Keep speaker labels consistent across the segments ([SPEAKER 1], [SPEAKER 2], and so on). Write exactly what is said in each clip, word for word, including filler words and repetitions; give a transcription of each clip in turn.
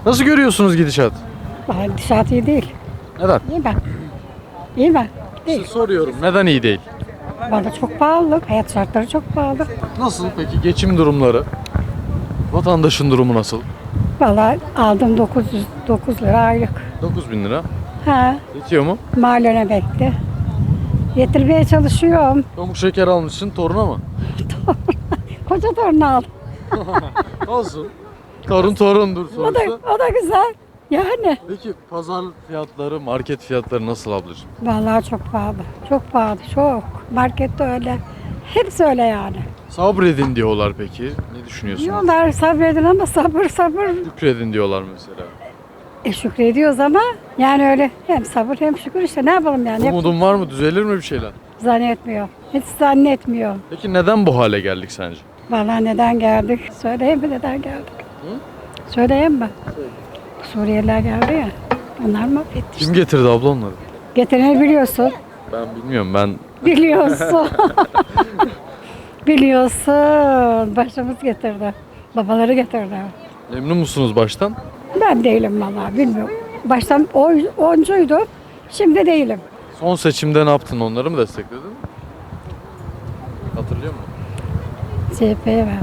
[SPEAKER 1] Nasıl görüyorsunuz gidişat?
[SPEAKER 2] Vallahi gidişat iyi değil.
[SPEAKER 1] Neden?
[SPEAKER 2] İyi mi? İyi mi? Değil.
[SPEAKER 1] Size soruyorum. Neden iyi değil?
[SPEAKER 2] Valla çok pahalı. Hayat şartları çok pahalı.
[SPEAKER 1] Nasıl peki geçim durumları? Vatandaşın durumu nasıl?
[SPEAKER 2] Valla aldım dokuz yüz dokuz lira aylık.
[SPEAKER 1] dokuz bin lira.
[SPEAKER 2] Ha,
[SPEAKER 1] Yetiyor mu?
[SPEAKER 2] mahallen bekle. Getirmeye çalışıyorum.
[SPEAKER 1] Pamuk şeker almışsın toruna mı?
[SPEAKER 2] Koca torun aldım.
[SPEAKER 1] Olsun. Torun torundur
[SPEAKER 2] O da,
[SPEAKER 1] sonuçta.
[SPEAKER 2] o da güzel. Yani.
[SPEAKER 1] Peki pazar fiyatları, market fiyatları nasıl ablacığım?
[SPEAKER 2] Vallahi çok pahalı. Çok pahalı. Çok. Markette öyle. Hepsi öyle yani.
[SPEAKER 1] Sabredin diyorlar peki. Ne düşünüyorsunuz?
[SPEAKER 2] Diyorlar sabredin ama sabır sabır.
[SPEAKER 1] Şükredin diyorlar mesela.
[SPEAKER 2] E şükrediyoruz ama yani öyle hem sabır hem şükür işte ne yapalım yani. Hep
[SPEAKER 1] Umudun var mı? Düzelir mi bir şeyler?
[SPEAKER 2] zannetmiyor. Hiç zannetmiyor.
[SPEAKER 1] Peki neden bu hale geldik sence?
[SPEAKER 2] Vallahi neden geldik? Söyleyeyim mi neden geldik?
[SPEAKER 1] Hı?
[SPEAKER 2] Söyleyeyim mi? Suriyeliler geldi ya. Onlar mahvetti işte.
[SPEAKER 1] Kim getirdi abla onları?
[SPEAKER 2] Getireni biliyorsun.
[SPEAKER 1] Ben bilmiyorum. Ben
[SPEAKER 2] Biliyorsun. Biliyorsun. Başımız getirdi. Babaları getirdi.
[SPEAKER 1] memnun musunuz baştan?
[SPEAKER 2] Ben değilim vallahi bilmiyorum. Baştan oy, oncuydu. Şimdi değilim.
[SPEAKER 1] Son seçimde ne yaptın? Onları mı destekledin? Hatırlıyor musun?
[SPEAKER 2] C H P'ye verdim.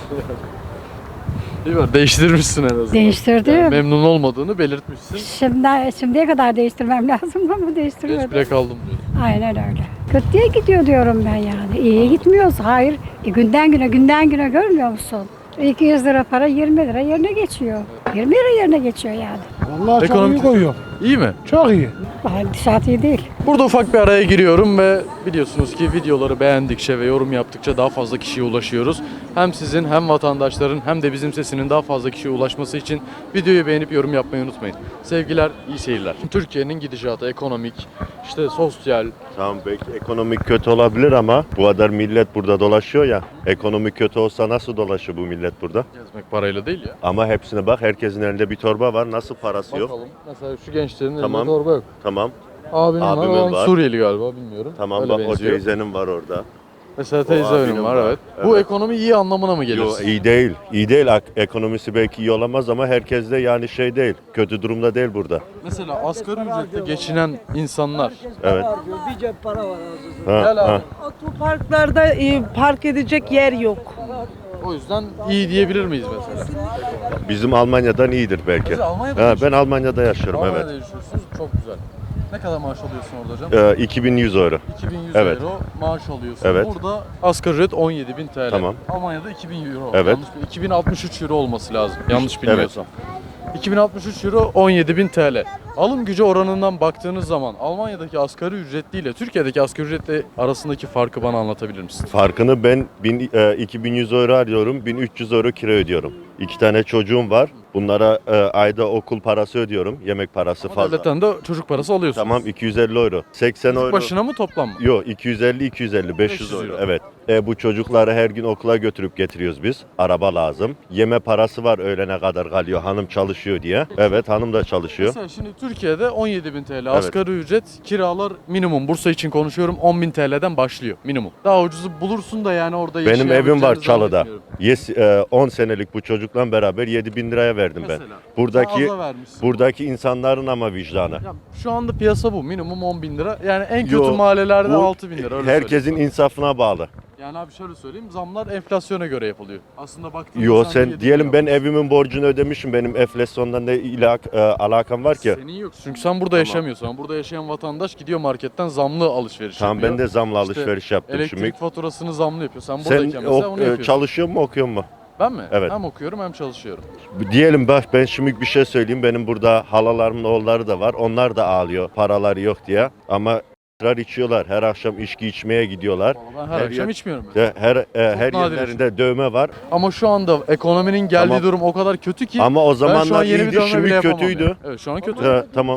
[SPEAKER 1] Değil mi? Değiştirmişsin en azından.
[SPEAKER 2] Değiştirdim.
[SPEAKER 1] Yani memnun olmadığını belirtmişsin.
[SPEAKER 2] Şimdi, şimdiye kadar değiştirmem lazım ama
[SPEAKER 1] Geç
[SPEAKER 2] değiştirmedim.
[SPEAKER 1] bile kaldım diyor.
[SPEAKER 2] Aynen öyle. Kötüye gidiyor diyorum ben yani. İyiye gitmiyoruz. Hayır. E, günden güne günden güne görmüyor musun? iki yüz lira para yirmi lira yerine geçiyor. yirmi lira yerine geçiyor yani.
[SPEAKER 3] Vallahi çok
[SPEAKER 1] Ekonomik-
[SPEAKER 3] iyi koyuyor.
[SPEAKER 1] İyi mi?
[SPEAKER 3] Çok iyi.
[SPEAKER 2] Vallahi gidişat iyi değil.
[SPEAKER 1] Burada ufak bir araya giriyorum ve biliyorsunuz ki videoları beğendikçe ve yorum yaptıkça daha fazla kişiye ulaşıyoruz. Hem sizin hem vatandaşların hem de bizim sesinin daha fazla kişiye ulaşması için videoyu beğenip yorum yapmayı unutmayın. Sevgiler, iyi seyirler. Türkiye'nin gidişatı ekonomik, işte sosyal,
[SPEAKER 4] Tamam belki ekonomik kötü olabilir ama bu kadar millet burada dolaşıyor ya. Ekonomi kötü olsa nasıl dolaşır bu millet burada?
[SPEAKER 1] gezmek parayla değil ya.
[SPEAKER 4] Ama hepsine bak, herkesin elinde bir torba var. Nasıl parası yok?
[SPEAKER 1] Bakalım. Mesela şu gençlerin
[SPEAKER 4] Tamam.
[SPEAKER 1] elinde torba yok.
[SPEAKER 4] Tamam.
[SPEAKER 1] Abinin var,
[SPEAKER 4] Abimin
[SPEAKER 1] ama
[SPEAKER 4] var.
[SPEAKER 1] Suriyeli galiba bilmiyorum.
[SPEAKER 4] Tamam
[SPEAKER 1] Öyle
[SPEAKER 4] bak o
[SPEAKER 1] benziyor.
[SPEAKER 4] teyzenin var orada.
[SPEAKER 1] Mesela teyze
[SPEAKER 4] abinin
[SPEAKER 1] önüm var,
[SPEAKER 4] var.
[SPEAKER 1] evet. Bu
[SPEAKER 4] Evet.
[SPEAKER 1] ekonomi iyi anlamına mı gelir?
[SPEAKER 4] Yo iyi değil. İyi değil. Ak- Ekonomisi belki iyi olamaz ama herkes de yani şey değil. Kötü durumda değil burada.
[SPEAKER 1] Mesela asgari ücretle geçinen insanlar.
[SPEAKER 4] Evet.
[SPEAKER 5] Bir cep para var ağzınızda.
[SPEAKER 4] Ha,
[SPEAKER 1] Gel abi.
[SPEAKER 4] ha.
[SPEAKER 5] Otoparklarda e, park edecek yer yok.
[SPEAKER 1] O yüzden iyi diyebilir miyiz mesela?
[SPEAKER 4] Bizim Almanya'dan iyidir belki.
[SPEAKER 1] Siz Almanya'da
[SPEAKER 4] Ha, ben
[SPEAKER 1] yaşıyorsunuz.
[SPEAKER 4] Almanya'da yaşıyorum,
[SPEAKER 1] Almanya'da
[SPEAKER 4] evet.
[SPEAKER 1] yaşıyorsunuz. Çok güzel. Ne kadar maaş alıyorsun orada hocam?
[SPEAKER 4] Ee, iki bin yüz euro.
[SPEAKER 1] iki bin yüz
[SPEAKER 4] evet.
[SPEAKER 1] euro maaş alıyorsun.
[SPEAKER 4] Evet.
[SPEAKER 1] Burada asgari ücret on yedi bin T L.
[SPEAKER 4] Tamam.
[SPEAKER 1] Almanya'da iki bin euro.
[SPEAKER 4] Evet.
[SPEAKER 1] Yanlış, iki bin altmış üç euro olması lazım. Yanlış bilmiyorsam. iki bin altmış üç euro on yedi bin T L. Alım gücü oranından baktığınız zaman Almanya'daki asgari ücretli ile Türkiye'deki asgari ücretli arasındaki farkı bana anlatabilir misin?
[SPEAKER 4] Farkını ben bin, e, iki bin yüz euro alıyorum, bin üç yüz euro kira ödüyorum. İki tane çocuğum var. Bunlara e, ayda okul parası ödüyorum, yemek parası
[SPEAKER 1] Ama
[SPEAKER 4] fazla.
[SPEAKER 1] devletten de çocuk parası alıyorsunuz.
[SPEAKER 4] Tamam iki yüz elli euro. seksen
[SPEAKER 1] Çocuk
[SPEAKER 4] euro.
[SPEAKER 1] başına mı toplam mı?
[SPEAKER 4] Yok iki yüz elli iki yüz elli beş yüz
[SPEAKER 1] beş yüz
[SPEAKER 4] euro.
[SPEAKER 1] euro.
[SPEAKER 4] Evet. E, bu çocukları her gün okula götürüp getiriyoruz biz. Araba lazım. Yeme parası var, öğlene kadar kalıyor. Hanım çalışıyor diye. Evet, hanım da çalışıyor.
[SPEAKER 1] Mesela şimdi Türkiye'de on yedi bin T L asgari ücret, kiralar minimum, Bursa için konuşuyorum, on bin T L'den başlıyor minimum. Daha ucuzu bulursun da yani orada
[SPEAKER 4] Benim evim var
[SPEAKER 1] yaşayabileceğini
[SPEAKER 4] Çalı'da.
[SPEAKER 1] zannetmiyorum.
[SPEAKER 4] Yes, e, on senelik bu çocukla beraber yedi bin liraya verdim ben.
[SPEAKER 1] Mesela.
[SPEAKER 4] Buradaki
[SPEAKER 1] Daha aza vermişsin. buradaki
[SPEAKER 4] insanların ama vicdanı.
[SPEAKER 1] Ya şu anda piyasa bu. Minimum on bin lira. Yani en kötü
[SPEAKER 4] Yo,
[SPEAKER 1] mahallelerde
[SPEAKER 4] bu
[SPEAKER 1] altı bin lira. Öyle
[SPEAKER 4] Herkesin
[SPEAKER 1] söyleyeyim.
[SPEAKER 4] insafına bağlı.
[SPEAKER 1] Yani abi şöyle söyleyeyim. Zamlar enflasyona göre yapılıyor. Aslında baktığın
[SPEAKER 4] Yo
[SPEAKER 1] zaman
[SPEAKER 4] sen
[SPEAKER 1] yedi
[SPEAKER 4] diyelim
[SPEAKER 1] bin
[SPEAKER 4] ben
[SPEAKER 1] lira.
[SPEAKER 4] evimin borcunu ödemişim. Benim enflasyondan ne ilak, e, alakam var ki?
[SPEAKER 1] Senin yok. Çünkü sen burada yaşamıyorsun. Burada yaşayan vatandaş gidiyor marketten zamlı alışveriş
[SPEAKER 4] Tamam
[SPEAKER 1] yapıyor.
[SPEAKER 4] ben de zamla
[SPEAKER 1] İşte
[SPEAKER 4] alışveriş yaptım
[SPEAKER 1] Elektrik
[SPEAKER 4] şimdi.
[SPEAKER 1] faturasını zamlı yapıyor. Sen
[SPEAKER 4] Sen
[SPEAKER 1] buradayken mesela
[SPEAKER 4] ok-
[SPEAKER 1] onu
[SPEAKER 4] e,
[SPEAKER 1] yapıyorsun.
[SPEAKER 4] çalışıyor mu okuyor mu?
[SPEAKER 1] Ben mi?
[SPEAKER 4] Evet.
[SPEAKER 1] Hem okuyorum hem çalışıyorum.
[SPEAKER 4] Diyelim bak ben şimdi bir şey söyleyeyim. Benim burada halalarımın oğulları da var. Onlar da ağlıyor paraları yok diye. Ama ısrar içiyorlar. Her akşam içki içmeye gidiyorlar.
[SPEAKER 1] Vallahi ben her,
[SPEAKER 4] Her
[SPEAKER 1] akşam
[SPEAKER 4] yer-
[SPEAKER 1] içmiyorum. ben.
[SPEAKER 4] De- Her e, her
[SPEAKER 1] nadir
[SPEAKER 4] yerlerinde dövme var.
[SPEAKER 1] Ama şu anda ekonominin geldiği
[SPEAKER 4] Tamam.
[SPEAKER 1] durum o kadar kötü ki
[SPEAKER 4] Ama o
[SPEAKER 1] ben şu an
[SPEAKER 4] zamanlar
[SPEAKER 1] yeni bir
[SPEAKER 4] iyiydi,
[SPEAKER 1] dövme
[SPEAKER 4] şimdi
[SPEAKER 1] bile yapamam
[SPEAKER 4] kötüydü.
[SPEAKER 1] yani. Evet şu an kötü.
[SPEAKER 4] He, tamam.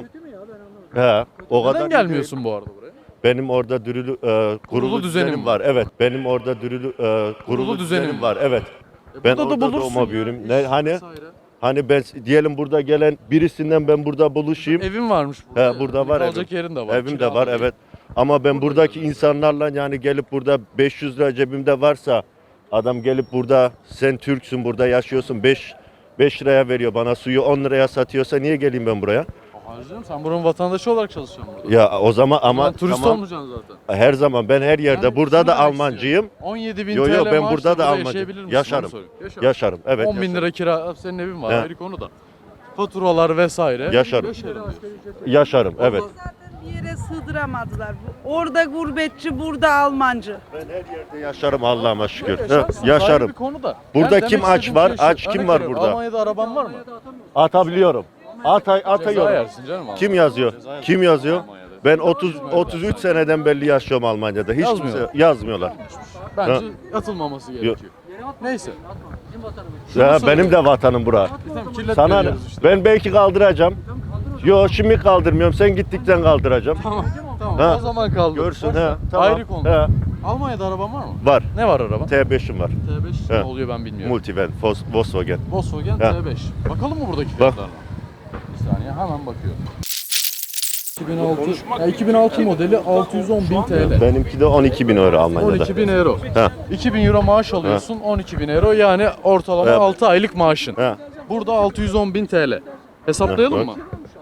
[SPEAKER 4] He, o kadar
[SPEAKER 1] Neden
[SPEAKER 4] iyi değil.
[SPEAKER 1] gelmiyorsun bu arada buraya?
[SPEAKER 4] Benim orada dürülü e, kurulu,
[SPEAKER 1] düzenim
[SPEAKER 4] düzenim
[SPEAKER 1] var.
[SPEAKER 4] var. Evet. Benim orada dürülü e, kurulu,
[SPEAKER 1] düzenim
[SPEAKER 4] düzenim var. Evet.
[SPEAKER 1] E
[SPEAKER 4] Ben
[SPEAKER 1] burada da
[SPEAKER 4] orada
[SPEAKER 1] bulursun
[SPEAKER 4] doğma
[SPEAKER 1] ya,
[SPEAKER 4] büyüdüm.
[SPEAKER 1] iş
[SPEAKER 4] Ne hani
[SPEAKER 1] vesaire.
[SPEAKER 4] hani ben diyelim burada gelen birisinden ben burada buluşayım.
[SPEAKER 1] Evin varmış burada.
[SPEAKER 4] He,
[SPEAKER 1] yani.
[SPEAKER 4] burada
[SPEAKER 1] Hani
[SPEAKER 4] var
[SPEAKER 1] kalacak
[SPEAKER 4] evim.
[SPEAKER 1] yerin de var.
[SPEAKER 4] Evim de
[SPEAKER 1] kira
[SPEAKER 4] var
[SPEAKER 1] değil.
[SPEAKER 4] evet. Ama ben
[SPEAKER 1] Burada
[SPEAKER 4] buradaki
[SPEAKER 1] görüyorsun.
[SPEAKER 4] insanlarla yani gelip burada beş yüz lira cebimde varsa adam gelip burada sen Türksün burada yaşıyorsun beş beş liraya veriyor bana suyu on liraya satıyorsa niye geleyim ben buraya?
[SPEAKER 1] Harcım sen buranın vatandaşı olarak çalışıyorsun burada.
[SPEAKER 4] Ya o zaman ama
[SPEAKER 1] Ama turist
[SPEAKER 4] tamam,
[SPEAKER 1] olmayacaksın zaten.
[SPEAKER 4] her zaman ben her yerde
[SPEAKER 1] Yani
[SPEAKER 4] burada
[SPEAKER 1] şunu
[SPEAKER 4] da
[SPEAKER 1] demek
[SPEAKER 4] Almancıyım.
[SPEAKER 1] istiyorum. on yedi bin
[SPEAKER 4] Yo
[SPEAKER 1] T L
[SPEAKER 4] yo ben
[SPEAKER 1] maaşla
[SPEAKER 4] burada da
[SPEAKER 1] yaşayabilir
[SPEAKER 4] Almancıyım.
[SPEAKER 1] misin?
[SPEAKER 4] Yaşarım.
[SPEAKER 1] Onu sorayım. Yaşarım.
[SPEAKER 4] Yaşarım. Evet.
[SPEAKER 1] on bin
[SPEAKER 4] yaşarım.
[SPEAKER 1] lira kira, senin evin var
[SPEAKER 4] He.
[SPEAKER 1] ayrı konu da. Faturalar vesaire.
[SPEAKER 4] Yaşarım.
[SPEAKER 1] Yaşarım.
[SPEAKER 4] Yaşarım. Evet.
[SPEAKER 5] Zaten bir yere sığdıramadılar. Orada gurbetçi, burada Almancı.
[SPEAKER 4] Ben her yerde yaşarım Allah'ıma şükür.
[SPEAKER 1] Yaşarsın,
[SPEAKER 4] He, yaşarım.
[SPEAKER 1] ayrı bir konu da.
[SPEAKER 4] Burada
[SPEAKER 1] Yani
[SPEAKER 4] kim
[SPEAKER 1] demek
[SPEAKER 4] aç
[SPEAKER 1] istediğim
[SPEAKER 4] var?
[SPEAKER 1] şey şu,
[SPEAKER 4] Aç kim
[SPEAKER 1] örnek
[SPEAKER 4] var
[SPEAKER 1] veriyorum,
[SPEAKER 4] burada?
[SPEAKER 1] Almanya'da araban var mı?
[SPEAKER 4] Atabiliyorum. Atay
[SPEAKER 1] Ceza
[SPEAKER 4] atıyorum.
[SPEAKER 1] yersin canım.
[SPEAKER 4] Kim yazıyor? Kim yazıyor?
[SPEAKER 1] Almanya'da.
[SPEAKER 4] Ben otuz otuz üç seneden beri yaşıyorum Almanya'da. Hiç
[SPEAKER 1] Yazmıyorlar.
[SPEAKER 4] kimse yazmıyorlar.
[SPEAKER 1] Bence
[SPEAKER 4] Ha.
[SPEAKER 1] atılmaması gerekiyor. Neyse.
[SPEAKER 4] Ya benim de vatanım bura.
[SPEAKER 1] Tamam, kirletme
[SPEAKER 4] Sana ne?
[SPEAKER 1] diyoruz işte.
[SPEAKER 4] Ben belki kaldıracağım. Yo şimdi kaldırmıyorum. Sen gittikten kaldıracağım.
[SPEAKER 1] Tamam. Tamam.
[SPEAKER 4] Ha.
[SPEAKER 1] O zaman kaldı.
[SPEAKER 4] Görsün
[SPEAKER 1] Boş ver.
[SPEAKER 4] he. Tamam.
[SPEAKER 1] Ayrı konu.
[SPEAKER 4] He.
[SPEAKER 1] Almanya'da araban var mı?
[SPEAKER 4] Var.
[SPEAKER 1] Ne var araban?
[SPEAKER 4] T beş'im var.
[SPEAKER 1] T beş
[SPEAKER 4] He.
[SPEAKER 1] ne oluyor ben bilmiyorum.
[SPEAKER 4] Multivan, Vos- Volkswagen.
[SPEAKER 1] Volkswagen
[SPEAKER 4] He.
[SPEAKER 1] T beş. Bakalım mı buradaki
[SPEAKER 4] Bak.
[SPEAKER 1] fiyatlarına? Bir saniye hemen bakıyorum. iki bin altı, ya iki bin altı modeli altı yüz on bin T L.
[SPEAKER 4] Benimki de on iki bin euro
[SPEAKER 1] on
[SPEAKER 4] Almanya'da.
[SPEAKER 1] iki bin euro.
[SPEAKER 4] He.
[SPEAKER 1] iki bin euro maaş alıyorsun, on iki bin euro yani ortalama
[SPEAKER 4] He.
[SPEAKER 1] altı aylık maaşın.
[SPEAKER 4] He.
[SPEAKER 1] Burada altı yüz on bin T L. Hesaplayalım
[SPEAKER 4] He,
[SPEAKER 1] mı?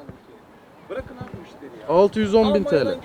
[SPEAKER 1] altı yüz on bin T L.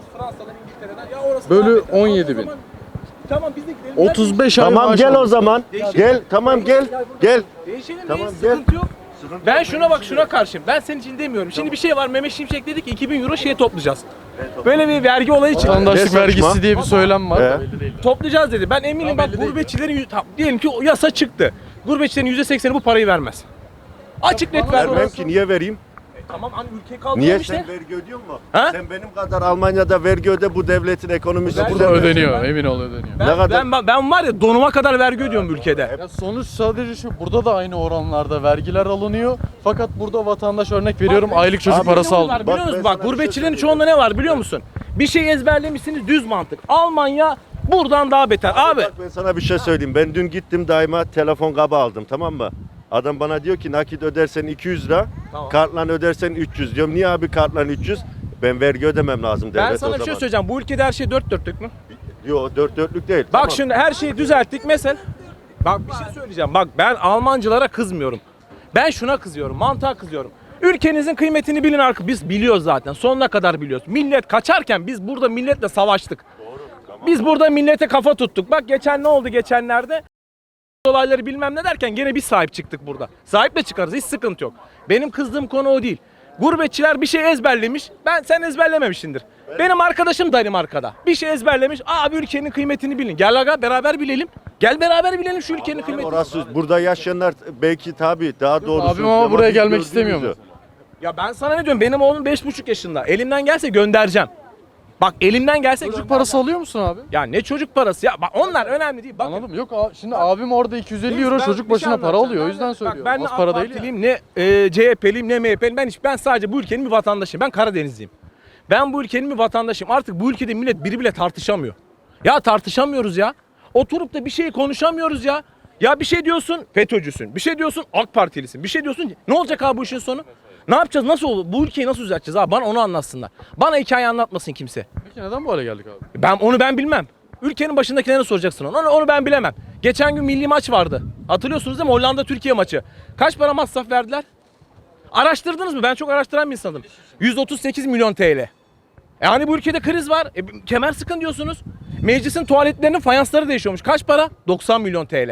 [SPEAKER 1] Bölü on yedi bin.
[SPEAKER 3] Tamam biz de gidelim.
[SPEAKER 1] otuz beş ay
[SPEAKER 4] Tamam
[SPEAKER 1] maaş
[SPEAKER 4] gel o
[SPEAKER 1] alıyorsun.
[SPEAKER 4] zaman. Gel. Tamam gel. Gel.
[SPEAKER 3] Değişelim
[SPEAKER 4] Tamam,
[SPEAKER 3] tamam,
[SPEAKER 4] gel.
[SPEAKER 3] sıkıntı yok. Ben şuna bak şuna karşıyım. Ben senin için demiyorum. Şimdi bir şey var. Mehmet Şimşek dedi ki iki bin euro şey toplayacağız. Böyle bir vergi olayı çıktı.
[SPEAKER 1] Vatandaşlık
[SPEAKER 4] Ne saçma?
[SPEAKER 1] vergisi diye bir söylem var.
[SPEAKER 4] He.
[SPEAKER 3] Toplayacağız dedi. Ben eminim bak gurbetçilerin yüz- tamam, diyelim ki o yasa çıktı. Gurbetçilerin yüzde sekseni bu parayı vermez. Açık net ver.
[SPEAKER 4] Vermem ki niye vereyim?
[SPEAKER 3] Tamam hani ülkeyi
[SPEAKER 4] Niye
[SPEAKER 3] kaldıralım işte.
[SPEAKER 4] sen vergi ödüyor musun?
[SPEAKER 3] Ha?
[SPEAKER 4] Sen benim kadar Almanya'da vergi öde, bu devletin ekonomisi
[SPEAKER 3] Ben-
[SPEAKER 1] Burada
[SPEAKER 4] burada
[SPEAKER 1] ödeniyor, emin ol ödeniyor.
[SPEAKER 3] Ben,
[SPEAKER 4] Ne kadar-
[SPEAKER 3] ben, ben var ya donuma kadar vergi ödüyorum bu ülkede.
[SPEAKER 1] Ya sonuç sadece şu, burada da aynı oranlarda vergiler alınıyor. Fakat burada vatandaş örnek veriyorum aylık çocuk
[SPEAKER 4] Abi,
[SPEAKER 1] parası
[SPEAKER 3] Biliyor musun?
[SPEAKER 1] almıyor.
[SPEAKER 3] Biliyor
[SPEAKER 4] Bak,
[SPEAKER 3] musun?
[SPEAKER 4] ben
[SPEAKER 3] Bak
[SPEAKER 4] sana bir
[SPEAKER 3] gurbetçilerin
[SPEAKER 4] şey
[SPEAKER 3] çoğunda ne var biliyor musun? Bir şey ezberlemişsiniz düz mantık. Almanya buradan daha beter. Abi
[SPEAKER 4] Bak ben sana bir şey söyleyeyim. Ben dün gittim daima telefon kabı aldım, tamam mı? Adam bana diyor ki nakit ödersen iki yüz lira,
[SPEAKER 3] Tamam.
[SPEAKER 4] kartla ödersen üç yüz diyorum. Niye abi kartla üç yüz? Ben vergi ödemem lazım devlet
[SPEAKER 3] ben
[SPEAKER 4] o
[SPEAKER 3] sana
[SPEAKER 4] zaman.
[SPEAKER 3] bir şey söyleyeceğim. Bu ülkede her şey dört dörtlük mü?
[SPEAKER 4] Yok dört dörtlük değil.
[SPEAKER 3] Bak
[SPEAKER 4] tamam.
[SPEAKER 3] şimdi her şeyi düzelttik mesela. Bak bir şey söyleyeceğim. Bak ben Almancılara kızmıyorum. Ben şuna kızıyorum. Mantığa kızıyorum. Ülkenizin kıymetini bilin arka. Biz biliyoruz zaten. Sonuna kadar biliyoruz. Millet kaçarken biz burada milletle savaştık. Biz burada millete kafa tuttuk. Bak geçen ne oldu geçenlerde? Olayları bilmem ne derken gene biz sahip çıktık burada. Sahiple çıkarız. Hiç sıkıntı yok. Benim kızdığım konu o değil. Gurbetçiler bir şey ezberlemiş. Ben sen ezberlememişsindir. Benim arkadaşım Danimarka'da. Bir şey ezberlemiş. Abi ülkenin kıymetini bilin. Gel aga beraber bilelim. Gel beraber bilelim şu ülkenin kıymetini.
[SPEAKER 4] Orası burada yaşayanlar belki tabii daha doğrusu.
[SPEAKER 1] Abim ama buraya
[SPEAKER 4] biz
[SPEAKER 1] gelmek
[SPEAKER 4] gördüğümüzü-
[SPEAKER 1] istemiyor mesela.
[SPEAKER 3] Ya ben sana ne diyorum? Benim oğlum beş buçuk yaşında. Elimden gelse göndereceğim. Bak elimden gelse
[SPEAKER 1] Çocuk
[SPEAKER 3] göndereceğim.
[SPEAKER 1] parası alıyor musun abi?
[SPEAKER 3] Ya ne çocuk parası ya? Bak onlar önemli değil. Bakın.
[SPEAKER 1] Anladım. Yok a- şimdi abim orada iki yüz elli
[SPEAKER 3] Biz-
[SPEAKER 1] euro
[SPEAKER 3] ben
[SPEAKER 1] çocuk
[SPEAKER 3] bir
[SPEAKER 1] başına
[SPEAKER 3] şey
[SPEAKER 1] para
[SPEAKER 3] anlatacağım.
[SPEAKER 1] alıyor. O
[SPEAKER 3] Ben
[SPEAKER 1] yüzden
[SPEAKER 3] de-
[SPEAKER 1] söylüyorum.
[SPEAKER 3] Bak ben ne
[SPEAKER 1] Az para
[SPEAKER 3] AK
[SPEAKER 1] değil ya.
[SPEAKER 3] Partiliyim, ne e, C H P'liyim, ne M H P'liyim. Ben hiç ben sadece bu ülkenin bir vatandaşıyım. Ben Karadenizliyim. Ben bu ülkenin bir vatandaşıyım. Artık bu ülkede millet biri bile tartışamıyor. Ya tartışamıyoruz ya. Oturup da bir şey konuşamıyoruz ya. Ya bir şey diyorsun FETÖ'cüsün. Bir şey diyorsun AK Partilisin. Bir şey diyorsun ne olacak abi bu işin sonu? Ne yapacağız? Nasıl olur? Bu ülkeyi nasıl düzelteceğiz abi? Bana onu anlatsınlar. Bana hikaye anlatmasın kimse.
[SPEAKER 1] Peki neden bu hale geldik abi?
[SPEAKER 3] Ben onu ben bilmem. Ülkenin başındakilere soracaksın onu. Onu, onu ben bilemem. Geçen gün milli maç vardı. Hatırlıyorsunuz değil mi? Hollanda Türkiye maçı. Kaç para masraf verdiler? Araştırdınız mı? Ben çok araştıran bir insanım. yüz otuz sekiz milyon T L. Yani bu ülkede kriz var. E, kemer sıkın diyorsunuz. Meclisin tuvaletlerinin fayansları değişiyormuş. Kaç para? doksan milyon T L.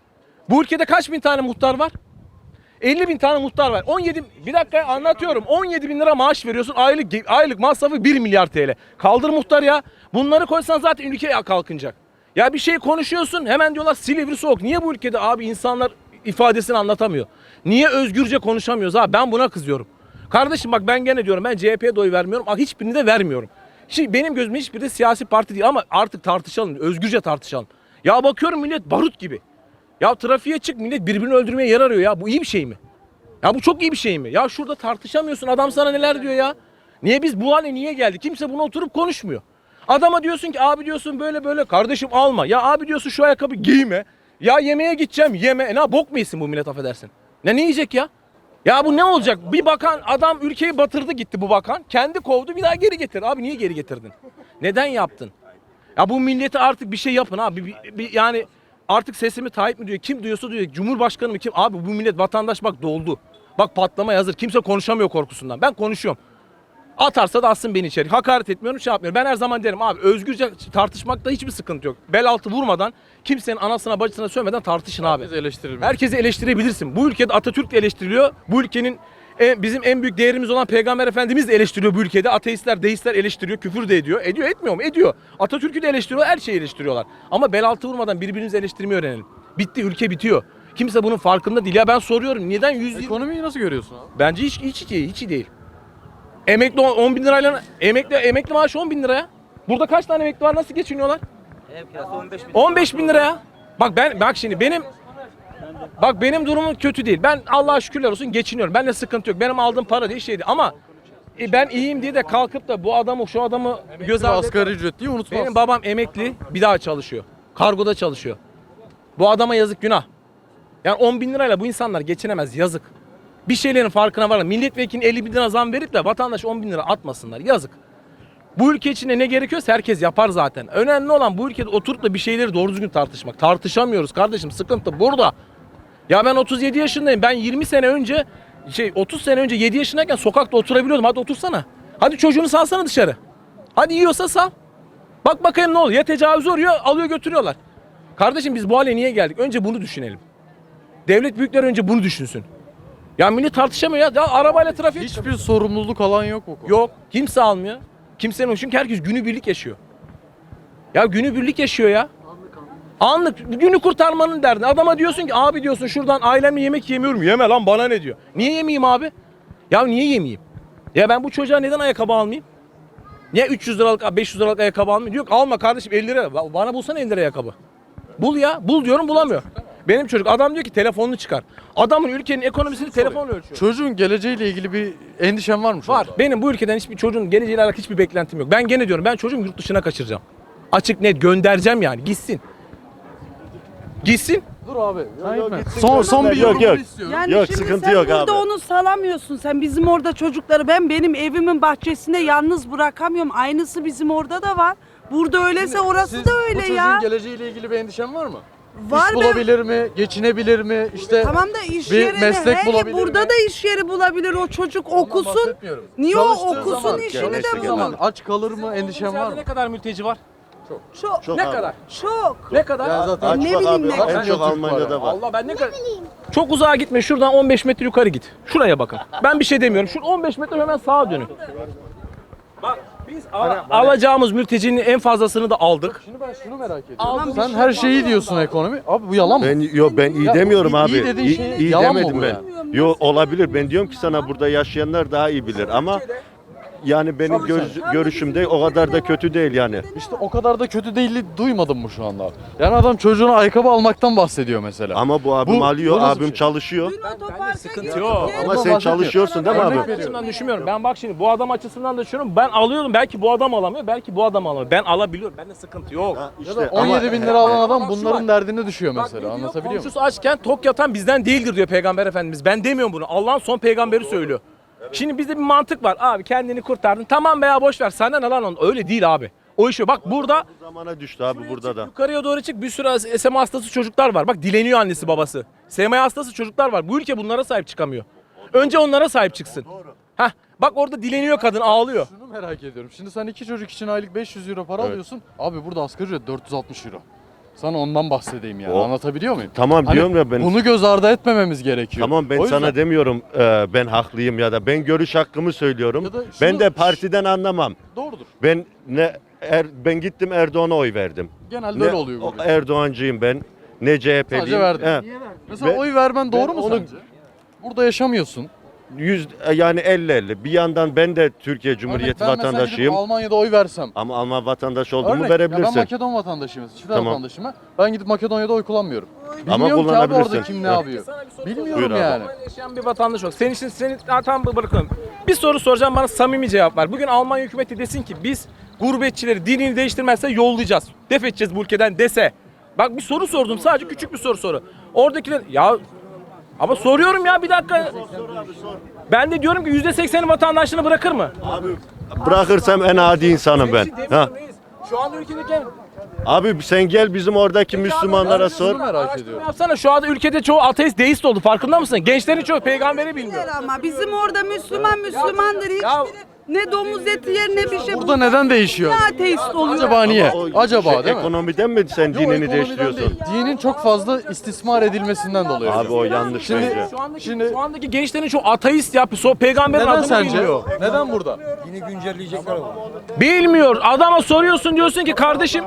[SPEAKER 3] Bu ülkede kaç bin tane muhtar var? elli bin tane muhtar var. on yedi bir dakika anlatıyorum. on yedi bin lira maaş veriyorsun. Aylık aylık masrafı bir milyar T L. Kaldır muhtar ya. Bunları koysan zaten ülke kalkınacak. Ya bir şey konuşuyorsun hemen diyorlar Silivri soğuk. Niye bu ülkede abi insanlar ifadesini anlatamıyor? Niye özgürce konuşamıyoruz abi? Ben buna kızıyorum. Kardeşim bak ben gene diyorum ben C H P'ye de oy vermiyorum. Hiçbirini de vermiyorum. Şimdi benim gözümde hiçbiri de siyasi parti değil ama artık tartışalım. Özgürce tartışalım. Ya bakıyorum millet barut gibi. Ya trafiğe çık millet birbirini öldürmeye yer arıyor ya. Bu iyi bir şey mi? Ya bu çok iyi bir şey mi? Ya şurada tartışamıyorsun. Adam sana neler diyor ya? Niye biz bu hale niye geldik? Kimse bunu oturup konuşmuyor. Adama diyorsun ki abi diyorsun böyle böyle kardeşim alma. Ya abi diyorsun şu ayakkabı giyme. Ya yemeğe gideceğim yeme. E ne bok mu yesin bu millet affedersin? Ne ne yiyecek ya? Ya bu ne olacak? Bir bakan adam ülkeyi batırdı gitti bu bakan. Kendi kovdu bir daha geri getirdi. Abi niye geri getirdin? Neden yaptın? Ya bu millete artık bir şey yapın abi. Bir, bir, yani Artık sesimi Tayyip mi diyor, kim duyuyorsa duyuyor. Cumhurbaşkanı mı kim? Abi bu millet vatandaş bak doldu. Bak patlamaya hazır. Kimse konuşamıyor korkusundan. Ben konuşuyorum. Atarsa da atsın beni içeri. Hakaret etmiyorum, şey yapmıyorum. Ben her zaman derim abi özgürce tartışmakta hiçbir sıkıntı yok. Bel altı vurmadan, kimsenin anasına bacısına sövmeden tartışın abi.
[SPEAKER 1] Herkes eleştirir.
[SPEAKER 3] Herkesi eleştirebilirsin. Bu ülkede Atatürk de eleştiriliyor. Bu ülkenin en- bizim en büyük değerimiz olan Peygamber Efendimiz de eleştiriyor bu ülkede. Ateistler, deistler eleştiriyor, küfür de ediyor. Ediyor, etmiyor mu? Ediyor. Atatürk'ü de eleştiriyor, her şeyi eleştiriyorlar. Ama bel altı vurmadan birbirimizi eleştirmeyi öğrenelim. Bitti, ülke bitiyor. Kimse bunun farkında değil. Ya ben soruyorum neden yüz yirmi...
[SPEAKER 1] Ekonomiyi nasıl görüyorsun abi?
[SPEAKER 3] Bence hiç, hiç iyi, hiç iyi değil. Emekli on bin lirayla, emekli, emekli maaşı on bin liraya. Burada kaç tane emekli var, nasıl geçiniyorlar? on beş bin liraya. Bak ben, bak şimdi benim, bak benim durumum kötü değil. Ben Allah'a şükürler olsun geçiniyorum. Benimle sıkıntı yok. Benim aldığım para değil şeydi ama e, ben iyiyim diye de kalkıp da bu adamı, şu adamı göz ardı
[SPEAKER 1] Asgari ücret diye unutmaz.
[SPEAKER 3] Benim babam emekli, bir daha çalışıyor. Kargoda çalışıyor. Bu adama yazık, günah. Yani on bin lirayla bu insanlar geçinemez, yazık. Bir şeylerin farkına varın. Milletvekili elli bin lira zam verip de vatandaş on bin lira atmasınlar, yazık. Bu ülke içinde ne gerekiyorsa herkes yapar zaten. Önemli olan bu ülkede oturup da bir şeyleri doğru düzgün tartışmak. Tartışamıyoruz kardeşim, sıkıntı burada. Ya ben otuz yedi yaşındayım. Ben yirmi sene önce, şey otuz sene önce yedi yaşındayken sokakta oturabiliyordum. Hadi otursana. Hadi çocuğunu salsana dışarı. Hadi yiyorsa sal. Bak bakayım ne oluyor. Ya tecavüz oluyor, alıyor götürüyorlar. Kardeşim biz bu hale niye geldik? Önce bunu düşünelim. Devlet büyükleri önce bunu düşünsün. Ya millet tartışamıyor ya. Ya arabayla trafik
[SPEAKER 1] Hiçbir sorumluluk alan yok bu konuda.
[SPEAKER 3] yok. Kimse almıyor. Kimsenin çünkü herkes günübirlik yaşıyor. Ya günübirlik yaşıyor ya. Anlık günü kurtarmanın derdinde. Adama diyorsun ki abi diyorsun şuradan ailemle yemek yemiyorum. Yeme lan, bana ne diyor. Niye yemeyeyim abi? Ya niye yemeyeyim? Ya ben bu çocuğa neden ayakkabı almayayım? Niye üç yüz liralık beş yüz liralık ayakkabı almayayım? Yok alma kardeşim, elli lira. Bana bulsana elli lira ayakkabı. Bul ya. Bul diyorum, bulamıyor. Benim çocuk adam diyor ki telefonunu çıkar. Adamın ülkenin ekonomisini telefonla ölçüyor.
[SPEAKER 1] Çocuğun geleceğiyle ilgili bir endişen var mı şu
[SPEAKER 3] Var.
[SPEAKER 1] anda?
[SPEAKER 3] Benim bu ülkeden hiçbir çocuğun geleceğiyle alakalı hiçbir beklentim yok. Ben gene diyorum, ben çocuğumu yurt dışına kaçıracağım. Açık net göndereceğim yani, gitsin. Gitsin.
[SPEAKER 1] Dur abi.
[SPEAKER 4] yok, gitsin,
[SPEAKER 1] Son son bir
[SPEAKER 4] yok,
[SPEAKER 1] yorum
[SPEAKER 4] yok.
[SPEAKER 1] istiyorum.
[SPEAKER 5] Yani
[SPEAKER 4] Yok,
[SPEAKER 5] şimdi
[SPEAKER 4] sıkıntı
[SPEAKER 5] sen
[SPEAKER 4] yok
[SPEAKER 5] burada
[SPEAKER 4] abi.
[SPEAKER 5] onu salamıyorsun. Sen bizim orada çocukları, ben benim evimin bahçesinde yalnız bırakamıyorum. Aynısı bizim orada da var. Burada öyleyse orası
[SPEAKER 1] Siz
[SPEAKER 5] da
[SPEAKER 1] bu
[SPEAKER 5] öyle
[SPEAKER 1] çocuğun
[SPEAKER 5] ya.
[SPEAKER 1] geleceğiyle ilgili bir endişen var mı?
[SPEAKER 5] Var
[SPEAKER 1] İş
[SPEAKER 5] be.
[SPEAKER 1] bulabilir mi? Geçinebilir mi? İşte
[SPEAKER 5] Tamam da iş
[SPEAKER 1] bir
[SPEAKER 5] yerini,
[SPEAKER 1] meslek
[SPEAKER 5] he,
[SPEAKER 1] bulabilir
[SPEAKER 5] burada
[SPEAKER 1] mi?
[SPEAKER 5] da iş yeri bulabilir o çocuk, okusun.
[SPEAKER 1] bahsetmiyorum.
[SPEAKER 5] Niye o
[SPEAKER 1] Çalıştığı
[SPEAKER 5] okusun,
[SPEAKER 1] zaman,
[SPEAKER 5] işini
[SPEAKER 4] çalıştığı
[SPEAKER 5] de
[SPEAKER 1] Çalıştığı
[SPEAKER 5] bulur.
[SPEAKER 1] zaman aç kalır mı? Endişen var mı?
[SPEAKER 3] Ne kadar mülteci var?
[SPEAKER 5] Çok,
[SPEAKER 4] Çok
[SPEAKER 3] ne
[SPEAKER 4] abi.
[SPEAKER 3] kadar?
[SPEAKER 5] çok.
[SPEAKER 3] Ne kadar?
[SPEAKER 1] Ya zaten
[SPEAKER 4] Aç
[SPEAKER 5] Ne
[SPEAKER 4] bak
[SPEAKER 5] bileyim
[SPEAKER 4] abi,
[SPEAKER 5] ne
[SPEAKER 4] en
[SPEAKER 1] kadar.
[SPEAKER 4] çok Almanya'da var.
[SPEAKER 3] Allah, ben ne kadar... Çok uzağa gitme, şuradan on beş metre yukarı git. Şuraya bakın. Ben bir şey demiyorum. Şu on beş metre hemen sağa dönün. Bak biz al- alacağımız mültecinin en fazlasını da aldık.
[SPEAKER 1] Şimdi ben şunu merak ediyorum.
[SPEAKER 3] Aldım,
[SPEAKER 1] Sen
[SPEAKER 3] bir
[SPEAKER 1] her
[SPEAKER 3] şey
[SPEAKER 1] şeyi diyorsun ekonomi. Abi bu yalan mı?
[SPEAKER 4] Ben yok ben iyi
[SPEAKER 1] Ya,
[SPEAKER 4] demiyorum
[SPEAKER 1] iyi-
[SPEAKER 4] abi.
[SPEAKER 1] iyi dediğin
[SPEAKER 4] İyi,
[SPEAKER 1] şey
[SPEAKER 4] iyi
[SPEAKER 1] yalan mı
[SPEAKER 4] demedim
[SPEAKER 1] bu
[SPEAKER 4] ben.
[SPEAKER 1] yani?
[SPEAKER 4] Yo olabilir. Ben diyorum ki sana burada yaşayanlar daha iyi bilir ama yani benim göz- görüşümde o kadar da kötü değil yani.
[SPEAKER 1] İşte o kadar da kötü değil duymadım mı şu anda? Yani adam çocuğuna ayakkabı almaktan bahsediyor mesela.
[SPEAKER 4] Ama bu abim
[SPEAKER 1] Bu-
[SPEAKER 4] alıyor,
[SPEAKER 1] bu nasıl bir
[SPEAKER 4] abim
[SPEAKER 1] şey?
[SPEAKER 4] çalışıyor.
[SPEAKER 5] Dün otoparka
[SPEAKER 3] sıkıntı
[SPEAKER 5] gittik.
[SPEAKER 3] yok.
[SPEAKER 4] Ama
[SPEAKER 1] Ondan
[SPEAKER 4] sen
[SPEAKER 1] bahsetmiyorum.
[SPEAKER 4] çalışıyorsun değil mi
[SPEAKER 1] Örnek
[SPEAKER 4] abi?
[SPEAKER 1] veriyorum.
[SPEAKER 3] Açısından düşünmüyorum. Ben bak şimdi bu adam açısından da düşünüyorum. Ben alıyordum. Belki bu adam alamıyor. Belki bu adam alamıyor. Ben alabiliyorum. Bende sıkıntı yok.
[SPEAKER 4] Ha,
[SPEAKER 1] Ya
[SPEAKER 4] işte
[SPEAKER 1] da
[SPEAKER 4] ama-
[SPEAKER 1] on yedi bin lira alan adam
[SPEAKER 3] Bak şu
[SPEAKER 1] bunların
[SPEAKER 3] var.
[SPEAKER 1] derdine düşüyor
[SPEAKER 3] Bak ne
[SPEAKER 1] mesela.
[SPEAKER 3] diyor?
[SPEAKER 1] Anlatabiliyor muyum?
[SPEAKER 3] Komşusu açken tok yatan bizden değildir diyor Peygamber Efendimiz. Ben demiyorum bunu. Allah'ın son peygamberi söylüyor. Şimdi bizde bir mantık var. Abi kendini kurtardın. Tamam veya boş ver. Sana ne lan onun? Öyle değil abi. O iş yok. Bak burada
[SPEAKER 4] Bu zamana düştü abi burada da.
[SPEAKER 3] yukarıya doğru çık, bir sürü S M A hastası çocuklar var. Bak dileniyor annesi babası. S M A hastası çocuklar var. Bu ülke bunlara sahip çıkamıyor. Önce onlara sahip çıksın. Hah, bak orada dileniyor kadın, ağlıyor.
[SPEAKER 1] Şunu merak ediyorum. Şimdi sen iki çocuk için aylık beş yüz euro para
[SPEAKER 4] Evet.
[SPEAKER 1] alıyorsun. Abi burada asgari ücret dört yüz altmış euro. Sana ondan bahsedeyim yani.
[SPEAKER 4] O-
[SPEAKER 1] Anlatabiliyor muyum?
[SPEAKER 4] Tamam
[SPEAKER 1] Hani
[SPEAKER 4] diyorum ya ben.
[SPEAKER 1] Bunu göz ardı etmememiz gerekiyor.
[SPEAKER 4] Tamam ben
[SPEAKER 1] O yüzden-
[SPEAKER 4] sana demiyorum e, ben haklıyım ya da ben görüş hakkımı söylüyorum.
[SPEAKER 1] Ya da şunu-
[SPEAKER 4] Ben de partiden anlamam.
[SPEAKER 1] Doğrudur.
[SPEAKER 4] Ben ne er, ben gittim Erdoğan'a oy verdim.
[SPEAKER 1] Genelde
[SPEAKER 4] Ne
[SPEAKER 1] öyle oluyor burada.
[SPEAKER 4] Erdoğancıyım ben. Ne C H P'liyim.
[SPEAKER 1] Sadece verdin.
[SPEAKER 4] He.
[SPEAKER 1] Mesela
[SPEAKER 4] Ve-
[SPEAKER 1] oy vermen doğru
[SPEAKER 4] ben
[SPEAKER 1] mu
[SPEAKER 4] onu-
[SPEAKER 1] sence? Burada yaşamıyorsun.
[SPEAKER 4] Yüz yani elli elli. Bir yandan ben de Türkiye Cumhuriyeti
[SPEAKER 1] Örnek, ben mesela
[SPEAKER 4] vatandaşıyım.
[SPEAKER 1] gidip Almanya'da oy versem.
[SPEAKER 4] Ama Alman vatandaşı olduğumu
[SPEAKER 1] Örnek, ya ben
[SPEAKER 4] verebilirsin.
[SPEAKER 1] Makedon vatandaşıyım. Çifte
[SPEAKER 4] Tamam.
[SPEAKER 1] vatandaşım. ben. Ben gidip Makedonya'da oy kullanmıyorum.
[SPEAKER 4] Ama
[SPEAKER 1] Bilmiyorum ki abi
[SPEAKER 4] kullanabilirsin.
[SPEAKER 1] orada kim ne
[SPEAKER 4] Evet.
[SPEAKER 1] yapıyor.
[SPEAKER 3] Sana bir soru
[SPEAKER 1] Bilmiyorum
[SPEAKER 4] Buyur abi.
[SPEAKER 1] yani.
[SPEAKER 3] Almanya'da yaşayan bir vatandaş olarak. Senin için seni ha, tam bırakın. Bir soru soracağım, bana samimi cevap ver. Bugün Almanya hükümeti desin ki biz gurbetçileri dinini değiştirmezse yollayacağız. Def edeceğiz bu ülkeden dese. Bak bir soru sordum, sadece küçük bir soru soru. Oradakiler ya ama soruyorum ya, bir dakika. Ben de diyorum ki yüzde sekseni vatandaşlığını bırakır mı?
[SPEAKER 4] Abi bırakırsam en adi insanım ben.
[SPEAKER 3] Senin için
[SPEAKER 4] Ha.
[SPEAKER 3] demiyorum reis. Şu anda ülkedeki
[SPEAKER 4] Abi sen gel bizim oradaki Müslümanlara sor.
[SPEAKER 1] Şunu merak
[SPEAKER 3] Araştırma
[SPEAKER 1] ediyorum.
[SPEAKER 3] yapsana, şu anda ülkede çoğu ateist, deist oldu, farkında mısın? Gençlerin çoğu peygamberi bilmiyor.
[SPEAKER 5] Ama bizim orada Müslüman Müslümandır.
[SPEAKER 3] Ya-
[SPEAKER 5] Hiçbiri ne domuz eti yer ne bir şey.
[SPEAKER 1] Burada neden değişiyor?
[SPEAKER 5] Ne ateist oluyor?
[SPEAKER 1] Acaba niye?
[SPEAKER 4] O
[SPEAKER 1] Acaba
[SPEAKER 4] şey,
[SPEAKER 1] değil mi?
[SPEAKER 4] Ekonomiden mi sen
[SPEAKER 1] Yok,
[SPEAKER 4] dinini
[SPEAKER 1] ekonomiden
[SPEAKER 4] değiştiriyorsun?
[SPEAKER 1] değil. Dinin çok fazla istismar edilmesinden dolayı.
[SPEAKER 4] Abi o yanlış
[SPEAKER 1] Şimdi-
[SPEAKER 4] bence.
[SPEAKER 3] Şu andaki,
[SPEAKER 1] Şimdi-
[SPEAKER 3] şu andaki gençlerin çoğu ateist ya, so peygamberin
[SPEAKER 1] Neden
[SPEAKER 3] adını
[SPEAKER 1] sence?
[SPEAKER 3] bilmiyor.
[SPEAKER 1] Neden burada?
[SPEAKER 3] Bilmiyor. Adama soruyorsun, diyorsun ki kardeşim.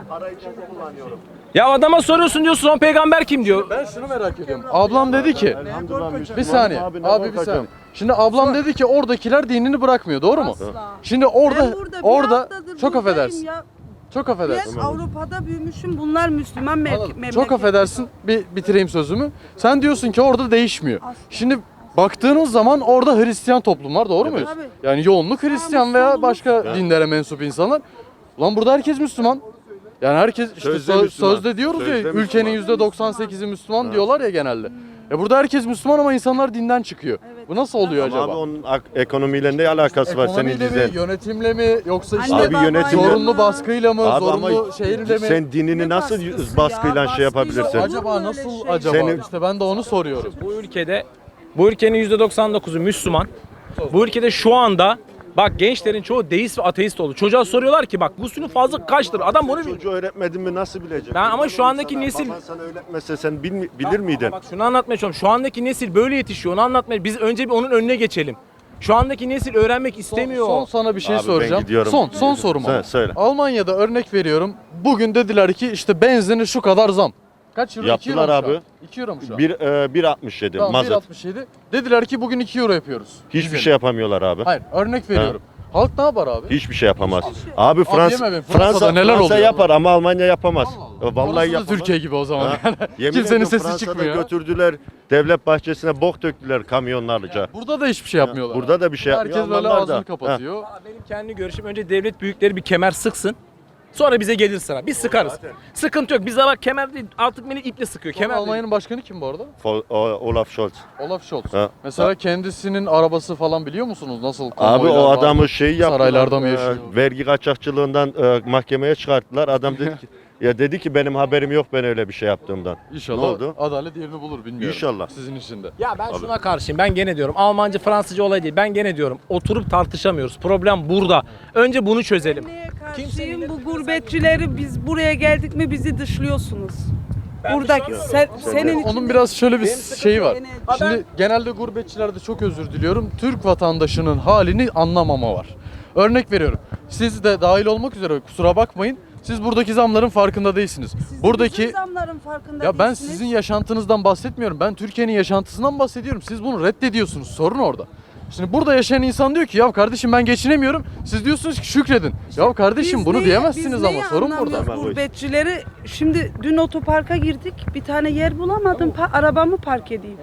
[SPEAKER 3] Ya adama soruyorsun, diyorsun son peygamber kim diyor.
[SPEAKER 1] Ben şunu merak ediyorum. Ablam dedi ki, bir saniye,
[SPEAKER 4] Abi, ne
[SPEAKER 1] abi bir
[SPEAKER 4] korkacağım?
[SPEAKER 1] saniye. Şimdi ablam dedi ki oradakiler dinini bırakmıyor, doğru mu?
[SPEAKER 5] Asla.
[SPEAKER 1] Şimdi orada,
[SPEAKER 5] Ben burada bir
[SPEAKER 1] orada
[SPEAKER 5] haftadır
[SPEAKER 1] çok
[SPEAKER 5] buradayım
[SPEAKER 1] affedersin,
[SPEAKER 5] ya.
[SPEAKER 1] çok
[SPEAKER 5] Ben
[SPEAKER 1] affedersin.
[SPEAKER 5] Avrupa'da büyümüşüm. Bunlar Müslüman me-
[SPEAKER 1] Anladım.
[SPEAKER 5] memleket.
[SPEAKER 1] Çok affedersin, bir bitireyim sözümü. Sen diyorsun ki orada değişmiyor. Şimdi baktığınız zaman orada Hristiyan toplum var, doğru muyuz?
[SPEAKER 5] Tabii.
[SPEAKER 1] Yani yoğunluk Hristiyan veya başka dinlere mensup insanlar. Ulan burada herkes Müslüman. Yani herkes işte
[SPEAKER 4] Sözde
[SPEAKER 1] söz-
[SPEAKER 4] Müslüman.
[SPEAKER 1] sözde diyoruz
[SPEAKER 4] Sözde
[SPEAKER 1] ya
[SPEAKER 4] Müslüman.
[SPEAKER 1] ülkenin yüzde doksan sekizi Müslüman diyorlar ya genelde. Ya burada herkes Müslüman ama insanlar dinden çıkıyor. Bu nasıl oluyor
[SPEAKER 4] Ama
[SPEAKER 1] acaba?
[SPEAKER 4] abi onun ak- ekonomiyle ne alakası var senin
[SPEAKER 1] Ekonomiyle
[SPEAKER 4] dizen?
[SPEAKER 1] mi, yönetimle mi yoksa işte
[SPEAKER 5] Anne
[SPEAKER 4] Abi
[SPEAKER 5] baba
[SPEAKER 4] yönetim-
[SPEAKER 1] zorunlu
[SPEAKER 5] ya.
[SPEAKER 1] baskıyla mı,
[SPEAKER 4] Abi ama
[SPEAKER 1] zorunlu şehirle mi?
[SPEAKER 4] sen dinini
[SPEAKER 5] Ne
[SPEAKER 4] nasıl
[SPEAKER 5] baskısı
[SPEAKER 4] baskıyla
[SPEAKER 5] ya?
[SPEAKER 4] şey yapabilirsin?
[SPEAKER 5] Baskıyla olur mu
[SPEAKER 1] Acaba
[SPEAKER 5] öyle
[SPEAKER 1] nasıl
[SPEAKER 5] şey?
[SPEAKER 1] acaba?
[SPEAKER 4] Senin-
[SPEAKER 1] İşte ben de onu soruyorum.
[SPEAKER 3] Bu ülkede, bu ülkenin yüzde doksan dokuzu Müslüman. Bu ülkede şu anda bak gençlerin çoğu deist ve ateist oldu. Çocuğa soruyorlar ki bak gusülün fazla kaçtır? Adam bunu bilmiyor.
[SPEAKER 4] Çocuğu öğretmedin mi nasıl bilecek?
[SPEAKER 3] Ben ama şu
[SPEAKER 4] Baban
[SPEAKER 3] andaki
[SPEAKER 4] sana-
[SPEAKER 3] nesil-
[SPEAKER 4] Baban sana öğretmese sen bil- bilir miydin?
[SPEAKER 3] Bak şunu anlatmaya çalışıyorum. Şu andaki nesil böyle yetişiyor. Onu anlatmaya. Biz önce bir onun önüne geçelim. Şu andaki nesil öğrenmek istemiyor.
[SPEAKER 1] Son, son sana bir şey
[SPEAKER 4] Abi ben
[SPEAKER 1] soracağım.
[SPEAKER 4] gidiyorum.
[SPEAKER 1] Son, son sorum
[SPEAKER 4] Söyle,
[SPEAKER 1] ama.
[SPEAKER 4] söyle.
[SPEAKER 1] Almanya'da örnek veriyorum. Bugün dediler ki işte benzini şu kadar zam. Kaç euro? iki euro
[SPEAKER 4] Yaptılar
[SPEAKER 1] mu şu an?
[SPEAKER 4] abi.
[SPEAKER 1] iki euro mu şu an?
[SPEAKER 4] Bir, e, bir altmış yedi
[SPEAKER 1] Tamam, bir
[SPEAKER 4] mazot.
[SPEAKER 1] altmış yedi. Dediler ki bugün iki euro yapıyoruz.
[SPEAKER 4] Hiçbir
[SPEAKER 1] Benzin.
[SPEAKER 4] şey yapamıyorlar abi.
[SPEAKER 1] Hayır, örnek veriyorum. Halk ne yapar abi?
[SPEAKER 4] Hiçbir şey yapamaz. Abi Fransa
[SPEAKER 1] deme be, Fransa'da
[SPEAKER 4] Fransa
[SPEAKER 1] neler
[SPEAKER 4] Fransa
[SPEAKER 1] oluyor?
[SPEAKER 4] yapar ama Almanya yapamaz.
[SPEAKER 1] Allah Allah.
[SPEAKER 4] Vallahi
[SPEAKER 1] Orası da
[SPEAKER 4] yapamaz.
[SPEAKER 1] Türkiye gibi o zaman.
[SPEAKER 4] Ha?
[SPEAKER 1] Yani.
[SPEAKER 4] Yemin
[SPEAKER 1] Kimsenin
[SPEAKER 4] ediyorum
[SPEAKER 1] sesi
[SPEAKER 4] Fransa'da
[SPEAKER 1] çıkmıyor.
[SPEAKER 4] götürdüler devlet bahçesine bok döktüler kamyonlarca.
[SPEAKER 1] Burada da hiçbir şey yapmıyorlar.
[SPEAKER 4] Burada da bir şey
[SPEAKER 1] Herkes
[SPEAKER 4] yapmıyor.
[SPEAKER 1] böyle
[SPEAKER 4] Almanlar
[SPEAKER 1] ağzını
[SPEAKER 4] da.
[SPEAKER 1] kapatıyor.
[SPEAKER 3] Valla benim kendi görüşüm önce devlet büyükleri bir kemer sıksın. Sonra bize gelir sıra. Biz sıkarız. Sıkıntı yok. Bize bak kemer değil artık beni iple sıkıyor.
[SPEAKER 1] Kemal
[SPEAKER 3] Kemer değil.
[SPEAKER 1] Almanya'nın başkanı kim bu arada?
[SPEAKER 4] Fol- o- Olaf Scholz.
[SPEAKER 1] Olaf Scholz.
[SPEAKER 4] Ha.
[SPEAKER 1] Mesela kendisinin arabası falan biliyor musunuz? Nasıl
[SPEAKER 4] Abi
[SPEAKER 1] konvoylar
[SPEAKER 4] o
[SPEAKER 1] var?
[SPEAKER 4] adamı şey yaptılar.
[SPEAKER 1] Saraylarda mı
[SPEAKER 4] e,
[SPEAKER 1] yaşıyor?
[SPEAKER 4] vergi kaçakçılığından e, mahkemeye çıkarttılar. Adam dedi ki ya dedi ki benim haberim yok ben öyle bir şey yaptığımdan.
[SPEAKER 1] İnşallah
[SPEAKER 4] Ne oldu?
[SPEAKER 1] adalet yerini bulur bilmiyorum.
[SPEAKER 4] İnşallah.
[SPEAKER 1] Sizin için de.
[SPEAKER 3] Ya ben şuna karşıyım. Ben gene diyorum. Almanca, Fransızca olay değil. Ben gene diyorum. Oturup tartışamıyoruz. Problem burada. Önce bunu çözelim.
[SPEAKER 5] Neye karşıyım? Bu gurbetçileri biz buraya geldik mi bizi dışlıyorsunuz. Buradaki sen, senin için
[SPEAKER 1] Onun biraz şöyle bir şeyi var.
[SPEAKER 5] Benim-
[SPEAKER 1] Şimdi genelde gurbetçilerde çok özür diliyorum. Türk vatandaşının halini anlamama var. Örnek veriyorum. Siz de dahil olmak üzere kusura bakmayın. Siz buradaki zamların farkında değilsiniz.
[SPEAKER 5] Siz de
[SPEAKER 1] buradaki
[SPEAKER 5] bizim zamların farkında
[SPEAKER 1] ya ben
[SPEAKER 5] değilsiniz.
[SPEAKER 1] sizin yaşantınızdan bahsetmiyorum. Ben Türkiye'nin yaşantısından bahsediyorum. Siz bunu reddediyorsunuz. Sorun orada. Şimdi burada yaşayan insan diyor ki ya kardeşim ben geçinemiyorum. Siz diyorsunuz ki şükredin. Ya kardeşim
[SPEAKER 5] Biz
[SPEAKER 1] bunu
[SPEAKER 5] neyi-
[SPEAKER 1] diyemezsiniz
[SPEAKER 5] biz
[SPEAKER 1] ama
[SPEAKER 5] neyi
[SPEAKER 1] sorun burada.
[SPEAKER 5] anlamıyoruz
[SPEAKER 4] Hemen bu iş.
[SPEAKER 5] Gurbetçileri şimdi dün otoparka girdik. Bir tane yer bulamadım. Pa- arabamı park edeyim.